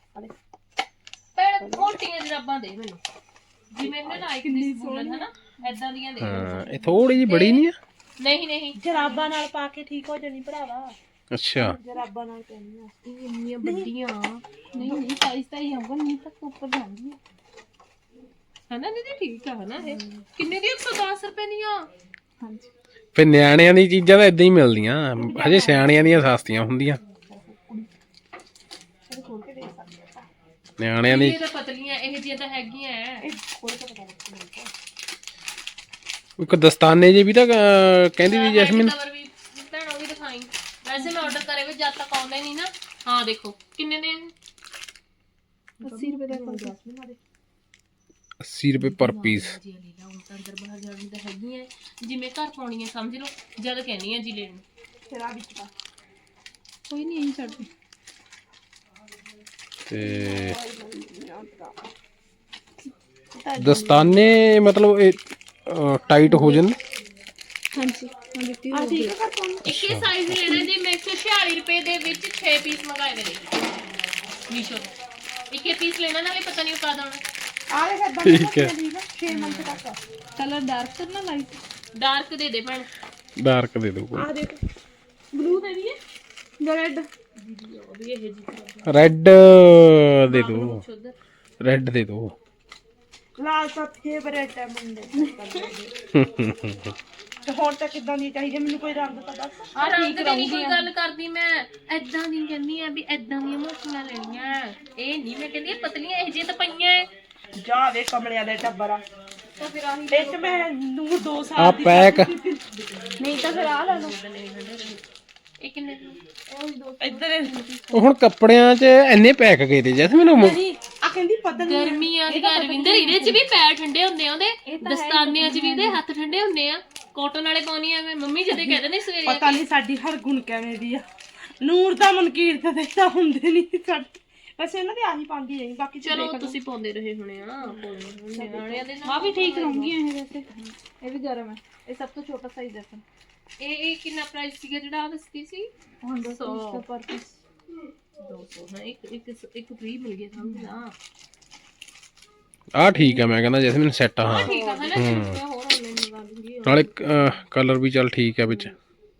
Speaker 1: ਭੈਣ ਮੋਟੀਆਂ ਜਰਾਬਾਂ ਦੇ ਮੈਨੂੰ, ਜਿਵੇਂ ਇਹਨੇ ਲਾਈਕ ਦੀ ਫੂਲਨ ਹੈ ਨਾ, ਐਦਾਂ ਦੀਆਂ ਦੇ।
Speaker 3: ਹਾਂ ਇਹ ਥੋੜੀ ਜੀ ਬੜੀ ਨਹੀਂ ਆ।
Speaker 1: ਨਹੀਂ ਨਹੀਂ
Speaker 2: ਜਰਾਬਾਂ ਨਾਲ ਪਾ ਕੇ ਠੀਕ ਹੋ ਜਾਣੀ ਭਰਾਵਾ।
Speaker 3: ਅੱਛਾ
Speaker 2: ਜਰਾਬਾਂ ਨਾਲ ਪਹਿਨਣਾ।
Speaker 1: ਇਹ ਇੰਨੀਆਂ ਵੱਡੀਆਂ ਨਹੀਂ ਨਹੀਂ, ਸਾਈਜ਼ ਤਾਂ ਹੀ ਆਉਂਗਾ, ਨਹੀਂ ਤੱਕ ਉੱਪਰ ਜਾਂਦੀ ਹੈ ਨਾ ਦੀਦੀ। ਠੀਕ ਆ ਹਨਾ। ਇਹ ਕਿੰਨੇ ਦੀ? 110 ਰੁਪਏ ਦੀਆਂ। ਹਾਂਜੀ
Speaker 3: ਫਿਰ ਨਿਆਣਿਆਂ ਦੀ ਚੀਜ਼ਾਂ ਤਾਂ ਇਦਾਂ ਹੀ ਮਿਲਦੀਆਂ, ਹਜੇ ਸਿਆਣਿਆਂ ਦੀਆਂ ਸਸਤੀਆਂ ਹੁੰਦੀਆਂ। ਨਿਆਣਿਆਂ ਦੀ
Speaker 1: ਇਹ ਤਾਂ ਪਤਲੀਆਂ, ਇਹ ਜਿਹੀਆਂ ਤਾਂ ਹੈਗੀਆਂ ਐ।
Speaker 3: ਇੱਕ ਦਸਤਾਨੇ ਜੇ ਵੀ ਤਾਂ ਕਹਿੰਦੀ ਸੀ ਜੈਸਮੀਨ।
Speaker 1: ਕਵਰ ਵੀ ਭੈਣ ਉਹ ਵੀ ਦਿਖਾਈ। ਵੈਸੇ ਮੈਂ ਆਰਡਰ ਕਰੇ ਵੀ ਜਦ ਤੱਕ ਆਉਂਦੇ ਨਹੀਂ ਨਾ, ਹਾਂ ਦੇਖੋ ਕਿੰਨੇ ਨੇ
Speaker 2: 80 ਰੁਪਏ ਦਾ ਕੋਈ
Speaker 3: 80 ਰੁਪਏ ਪਰ ਪੀਸ।
Speaker 1: ਜੀ ਲੈ ਲਾ ਹੁਣ ਤਾਂ ਅੰਦਰ ਬਾਹਰ ਜਾਣ ਦੀ ਤਾਂ ਹੈਗੀ ਐ ਜਿਵੇਂ ਘਰ ਪਾਉਣੀ ਐ ਸਮਝ ਲਓ ਜਦ ਕਹਿੰਨੀ ਆ ਜੀ ਲੈਣ
Speaker 2: ਫਿਰ ਆ ਵਿੱਚ ਪਾ ਕੋਈ ਨਹੀਂ ਛੱਡ ਦੇ
Speaker 3: ਤੇ ਦਸਤਾਨੇ ਮਤਲਬ ਇਹ ਟਾਈਟ ਹੋ ਜਾਂਦੇ।
Speaker 2: ਹਾਂਜੀ ਆ ਠੀਕ ਹੈ ਕਰ ਪਾਉਣ
Speaker 1: ਇੱਕੇ ਸਾਈਜ਼ ਲੈਣਾ ਜੀ ਮੈਂ 146 ਰੁਪਏ ਦੇ ਵਿੱਚ 6 ਪੀਸ ਮੰਗਾਏ ਨੇ ਮੀਸ਼ੋ ਤੋਂ ਇੱਕੇ ਪੀਸ ਲੈਣਾ ਨਾਲੇ ਪਤਾ ਨਹੀਂ ਉਹ ਕਦ ਆਉਣਾ
Speaker 2: ਆ ਲੈ ਫਿਰ
Speaker 3: ਠੀਕ ਹੈ।
Speaker 2: 6 ਮੰਥ ਤੱਕ ਕਲਰ ਡਾਰਕ ਕਰਨਾ ਲਾਈਟ
Speaker 1: ਡਾਰਕ ਦੇ ਦੇ ਭੈਣ
Speaker 3: ਡਾਰਕ ਦੇ ਦਿਓ
Speaker 2: ਆ ਦੇਖ ਬਲੂ ਦੇ ਵੀ ਹੈ ਰੈਡ
Speaker 1: ਉਹ ਵੀ ਇਹ ਜੀ
Speaker 3: ਰੈੱਡ ਦੇ ਦਿਓ,
Speaker 1: ਉਧਰ
Speaker 3: ਰੈੱਡ ਦੇ ਦਿਓ।
Speaker 2: ਲਾਲ ਤਾਂ ਫੇਵਰੇਟ ਹੈ ਮੁੰਡੇ ਤੇ ਹੁਣ ਤਾਂ ਕਿੱਦਾਂ ਦੀ ਚਾਹੀਦੀ ਮੈਨੂੰ ਕੋਈ ਰੰਗ ਤਾਂ ਦੱਸ
Speaker 1: ਆ ਰੰਗ ਦੀ ਨਹੀਂ ਕੋਈ ਗੱਲ ਕਰਦੀ ਮੈਂ ਐਦਾਂ ਦੀ ਕਹਿੰਦੀ ਆ ਵੀ ਐਦਾਂ ਦੀਆਂ ਮੋਟੀਆਂ ਲੈਣੀਆਂ ਇਹ ਨਹੀਂ ਮੈਂ ਕਹਿੰਦੀ ਪਤਲੀਆਂ ਇਹ ਜਿਹੀਆਂ ਤਾਂ ਪਈਆਂ ਐ
Speaker 2: ਜਾਵੇ ਕਮਲਿਆਂ ਦੇ ਟੱਬਰਾ ਤਾਂ ਫਿਰ ਆਹੀ ਇਹ ਚ ਮੈਂ ਨੂੰ 2
Speaker 3: ਆ
Speaker 2: ਸਾਲ ਦੀ
Speaker 3: ਪੈਕ
Speaker 2: ਨਹੀਂ ਤਾਂ ਫਿਰ ਆ ਲੈ ਲਓ
Speaker 1: ਇਹ ਕਿੰਨੇ
Speaker 2: ਇੱਧਰ
Speaker 3: ਉਹ ਹੁਣ ਕੱਪੜਿਆਂ 'ਚ ਇੰਨੇ ਪੈਕ ਗਏ ਤੇ ਜੈਸੇ ਮੈਨੂੰ
Speaker 2: ਆ ਕਹਿੰਦੀ ਪਤਾ ਨਹੀਂ
Speaker 1: ਗਰਮੀਆਂ ਦੀ ਰਵਿੰਦਰ ਇਹਦੇ ਚ ਵੀ ਪੈਰ ਠੰਡੇ ਹੁੰਦੇ ਆ ਉਹਦੇ ਦਸਤਾਨਿਆਂ ਚ ਵੀ ਇਹਦੇ ਹੱਥ ਠੰਡੇ ਹੁੰਦੇ ਆ ਕਾਟਨ ਵਾਲੇ ਪਾਉਣੀ ਆ ਮੈਂ ਮੰਮੀ ਜਦੇ ਕਹਿੰਦੇ ਨੇ ਸਵੇਰੇ
Speaker 2: ਪਤਾ ਨਹੀਂ ਸਾਡੀ ਹਰ ਗੁਣ ਕਿਵੇਂ ਦੀ ਆ ਨੂਰ ਦਾ ਮਨਕੀਰ ਤੇ ਦੇਖਦਾ ਹੁੰਦੇ ਨਹੀਂ ਸਾਡੇ ਵੈਸੇ ਇਹਨਾਂ ਦੀ ਆਹੀ ਪਾਉਂਦੀ ਰਹੀ ਬਾਕੀ
Speaker 1: ਚਲੋ ਤੁਸੀਂ ਪਾਉਂਦੇ ਰਹੇ ਹੋਣੇ ਆ ਨਿਆਣਿਆਂ ਦੇ ਨਾਲ
Speaker 2: ਆ ਵੀ ਠੀਕ ਰਹੂੰਗੀਆਂ ਇਹ ਵੈਸੇ ਇਹ ਵੀ ਗਰਮ ਹੈ ਇਹ ਸਭ ਤੋਂ ਛੋਟਾ ਸਾਈਜ਼ ਹੈ
Speaker 1: ਇਹ ਕਿੰਨਾ ਪ੍ਰਾਈਸ ਸੀਗਾ ਜਿਹੜਾ ਆ ਦੱਸਦੀ ਸੀ
Speaker 2: 100 ਪਰ ਪੀਸ
Speaker 1: 200 ਹਾਂ ਇੱਕ ਫ੍ਰੀ ਮਿਲ ਗਿਆ ਸਮਝਦਾ
Speaker 3: ਆ ਠੀਕ ਆ ਮੈਂ ਕਹਿੰਦਾ ਜੈਸੇ ਮੈਨੂੰ ਸੈੱਟ ਆ। ਹਾਂ
Speaker 1: ਠੀਕ ਆ ਹੈ ਨਾ ਮੈਂ ਹੋਰ ਆਨਲਾਈਨ ਮੰਗਾ ਲੂੰਗੀ
Speaker 3: ਨਾਲੇ ਕਲਰ ਵੀ ਚੱਲ ਠੀਕ ਆ ਵਿੱਚ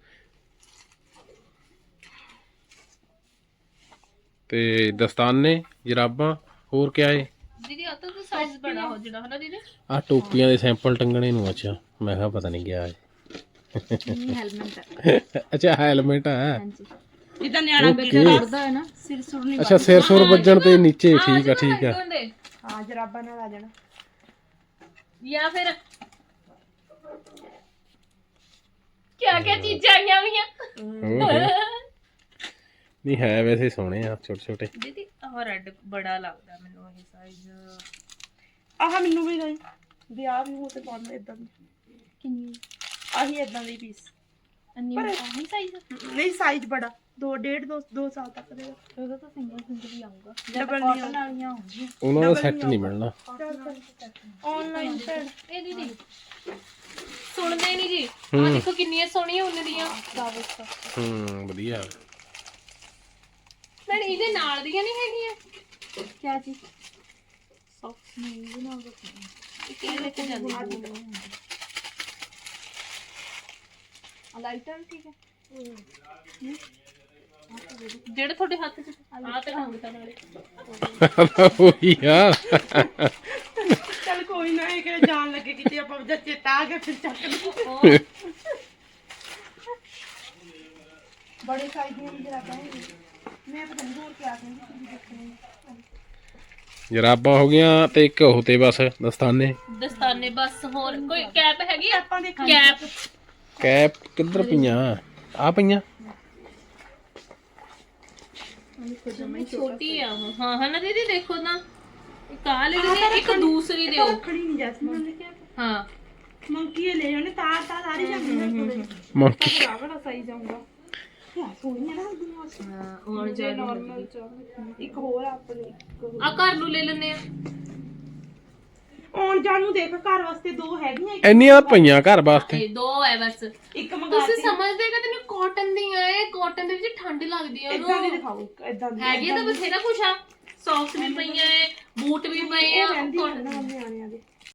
Speaker 3: ਤੇ ਦਸਤਾਨੇ ਜਰਾਬਾਂ ਹੋਰ ਕਿਆ ਏ
Speaker 1: ਦੀਦੀ ਆ ਤਾਂ ਸਾਈਜ਼ ਬੜਾ ਹੋ ਜਿਹੜਾ ਹਨਾ ਦੀਦੀ
Speaker 3: ਆ ਟੋਪੀਆਂ ਦੇ ਸੈਂਪਲ ਟੰਗਣੇ ਨੂੰ। ਅੱਛਾ ਮੈਂ ਕਿਹਾ ਪਤਾ ਨਹੀਂ ਗਿਆ
Speaker 2: ਹੈਲਮਟ
Speaker 3: ਅੱਛਾ ਹੈਲਮਟ ਹੈ।
Speaker 2: ਜਿੱਦਾਂ ਨਿਆਣਾ
Speaker 3: ਓਕੇ
Speaker 2: ਕਰਦਾ ਹੈ ਨਾ ਸਿਰ ਸੁਰ ਨਹੀਂ
Speaker 3: ਅੱਛਾ ਸਿਰ ਸੁਰ ਵੱਜਣ ਤੇ ਨੀਚੇ ਠੀਕ ਆ ਠੀਕ ਆ।
Speaker 2: ਹਾਂ ਜਰਾਬਾਂ ਨਾਲ ਆ ਜਾਣਾ
Speaker 1: ਜਾਂ ਫਿਰ ਕਿਆ ਚੀਜ਼ਾਂ ਆਈਆਂ ਵੀਆਂ
Speaker 3: ਨਹੀਂ ਹੈ ਵੈਸੇ ਸੋਹਣੇ ਆ ਛੋਟੇ ਛੋਟੇ।
Speaker 1: ਦੀਦੀ ਆਹ ਰੈੱਡ ਬੜਾ ਲੱਗਦਾ ਮੈਨੂੰ ਇਹ ਸਾਈਜ਼
Speaker 2: ਆਹ ਮੈਨੂੰ ਵੀ ਨਹੀਂ ਵਿਆਹ ਵੀ ਹੋ ਤੇ ਪਾਉਣਾ ਇਦਾਂ ਦੀ ਕਿੰਨੀ ਆਹੀ ਇਦਾਂ ਦੀ ਪੀਸ ਅੰਨੀ ਆਹੀ ਸਾਈਜ਼ ਨਹੀਂ ਸਾਈਜ਼ ਬੜਾ 2 ਸਾਲ ਤੱਕ ਦੇ ਉਹਦਾ ਤਾਂ ਸਿੰਗਲ ਵੀ ਆਊਗਾ ਡਬਲ ਕਾਟਨ ਵਾਲੀਆਂ ਹੋਣਗੀਆਂ
Speaker 3: ਉਹਨਾਂ ਦਾ ਸੈੱਟ ਨਹੀਂ ਮਿਲਣਾ
Speaker 2: ਆਨਲਾਈਨ ਤੇ
Speaker 1: ਇਹ ਦੀਦੀ ਸੁਣਦੇ ਨਹੀਂ ਜੀ ਆਹ ਦੇਖੋ ਕਿੰਨੀਆਂ ਸੋਹਣੀਆਂ ਉਹਨਾਂ ਦੀਆਂ
Speaker 3: ਵਧੀਆ।
Speaker 1: ਮੈਂ ਇਹਦੇ ਨਾਲ ਦੀਆਂ ਨਹੀਂ ਹੈਗੀਆਂ
Speaker 2: ਕਿਆ ਜੀ
Speaker 1: ਸੌਕਸ ਨਹੀਂ ਨਾ ਇਹ ਲੈ ਕੇ ਜਾਂਦੀ ਬੂਟ
Speaker 2: ਆ ਲਾਈਟਰ ਠੀਕ ਹੈ
Speaker 1: ਜਿਹੜੇ ਤੁਹਾਡੇ ਹੱਥ 'ਚ ਆਹ ਤੇ ਰੰਗ ਤਾਂ ਨਾਲੇ
Speaker 3: ਉਹੀ ਆ।
Speaker 2: ਚੱਲ ਕੋਈ ਨਾ ਇਹ ਕਿ ਜਾਣ ਲੱਗੇ ਕਿਤੇ ਆਪਾਂ ਜਦ ਚੇਤਾ ਆ ਗਿਆ ਫਿਰ ਚੱਕ ਲਈਏ ਬੜੇ ਸਾਈਜ਼ ਦੀਆਂ ਜਰਾਬਾਂ ਮੈਂ ਪਤਾ ਨਹੀਂ ਹੋਰ ਕਿਆ ਕਹਿੰਦੀ
Speaker 3: ਜਰਾਬਾਂ ਹੋ ਗਈਆਂ ਤੇ ਇੱਕ ਉਹ ਤੇ ਬਸ
Speaker 1: ਦਸਤਾਨੇ ਬਸ ਹੋਰ ਕੋਈ ਕੈਪ ਹੈਗੀ ਆ
Speaker 2: ਆਪਾਂ ਦੇਖ
Speaker 1: ਕੈਪ
Speaker 3: ਕੈਪ ਕਿੱਧਰ ਪਈਆਂ ਆ ਪਈਆਂ
Speaker 1: ਛੋਟੀ ਆ ਉਹ ਹਾਂ ਹਨਾ ਦੀਦੀ ਦੇਖੋ ਨਾ ਇੱਕ ਆ ਲੈ ਲਈ ਇੱਕ ਦੂਸਰੀ ਦਿਓ
Speaker 2: ਖੜੀ ਨਹੀਂ ਜੈਸਮੀਨ ਨੇ ਕਿਹਾ
Speaker 1: ਹਾਂ
Speaker 2: ਮੰਕੀ ਲੈ ਜਾਣੇ ਤਾਰ ਸਾਰੀ ਜਾਂਦੀ ਹੈ
Speaker 3: ਮੰਕੀ
Speaker 2: ਬੜਾ ਸਾਈਜ਼ ਆਉਂਦਾ ਯਾਰ ਸੋਹਣੀਆਂ ਨਾ ਹੁੰਦੀਆਂ
Speaker 1: ਹਾਂ ਉਹ ਜਾ
Speaker 2: ਨਾਰਮਲ ਇੱਕ ਹੋਰ ਆਪਣੇ
Speaker 1: ਆ ਘਰ ਨੂੰ ਲੈ ਲੈਣੇ ਆ
Speaker 2: ਆਉਣ ਜਾਣ ਨੂੰ ਦੇਖ ਘਰ ਵਾਸਤੇ 2 ਹੈਗੀਆਂ
Speaker 3: ਇੰਨੀਆਂ ਪਈਆਂ ਘਰ ਵਾਸਤੇ
Speaker 1: ਇਹ 2 ਹੈ ਬਸ
Speaker 2: ਇੱਕ ਮੰਗਾ
Speaker 1: ਤੁਸੀਂ ਸਮਝਦੇ ਕਿ ਤੈਨੂੰ ਕਾਟਨ ਦੀਆਂ ਇਹ ਕਾਟਨ ਦੇ ਵਿੱਚ ਠੰਡ ਲੱਗਦੀ ਆ
Speaker 2: ਇਦਾਂ ਦੀ
Speaker 1: ਉਹਨੂੰ
Speaker 2: ਦਿਖਾਓ ਇਦਾਂ ਦੀ
Speaker 1: ਹੈਗੀ ਤਾਂ ਬਥੇਰਾ ਕੁਛ ਆ ਸੌਕਸ ਵੀ ਪਈਆਂ ਐ ਬੂਟ ਵੀ ਪਏ ਆ
Speaker 2: ਰਹਿੰਦੀ ਹੈ ਨਾ ਨਿਆਣੇ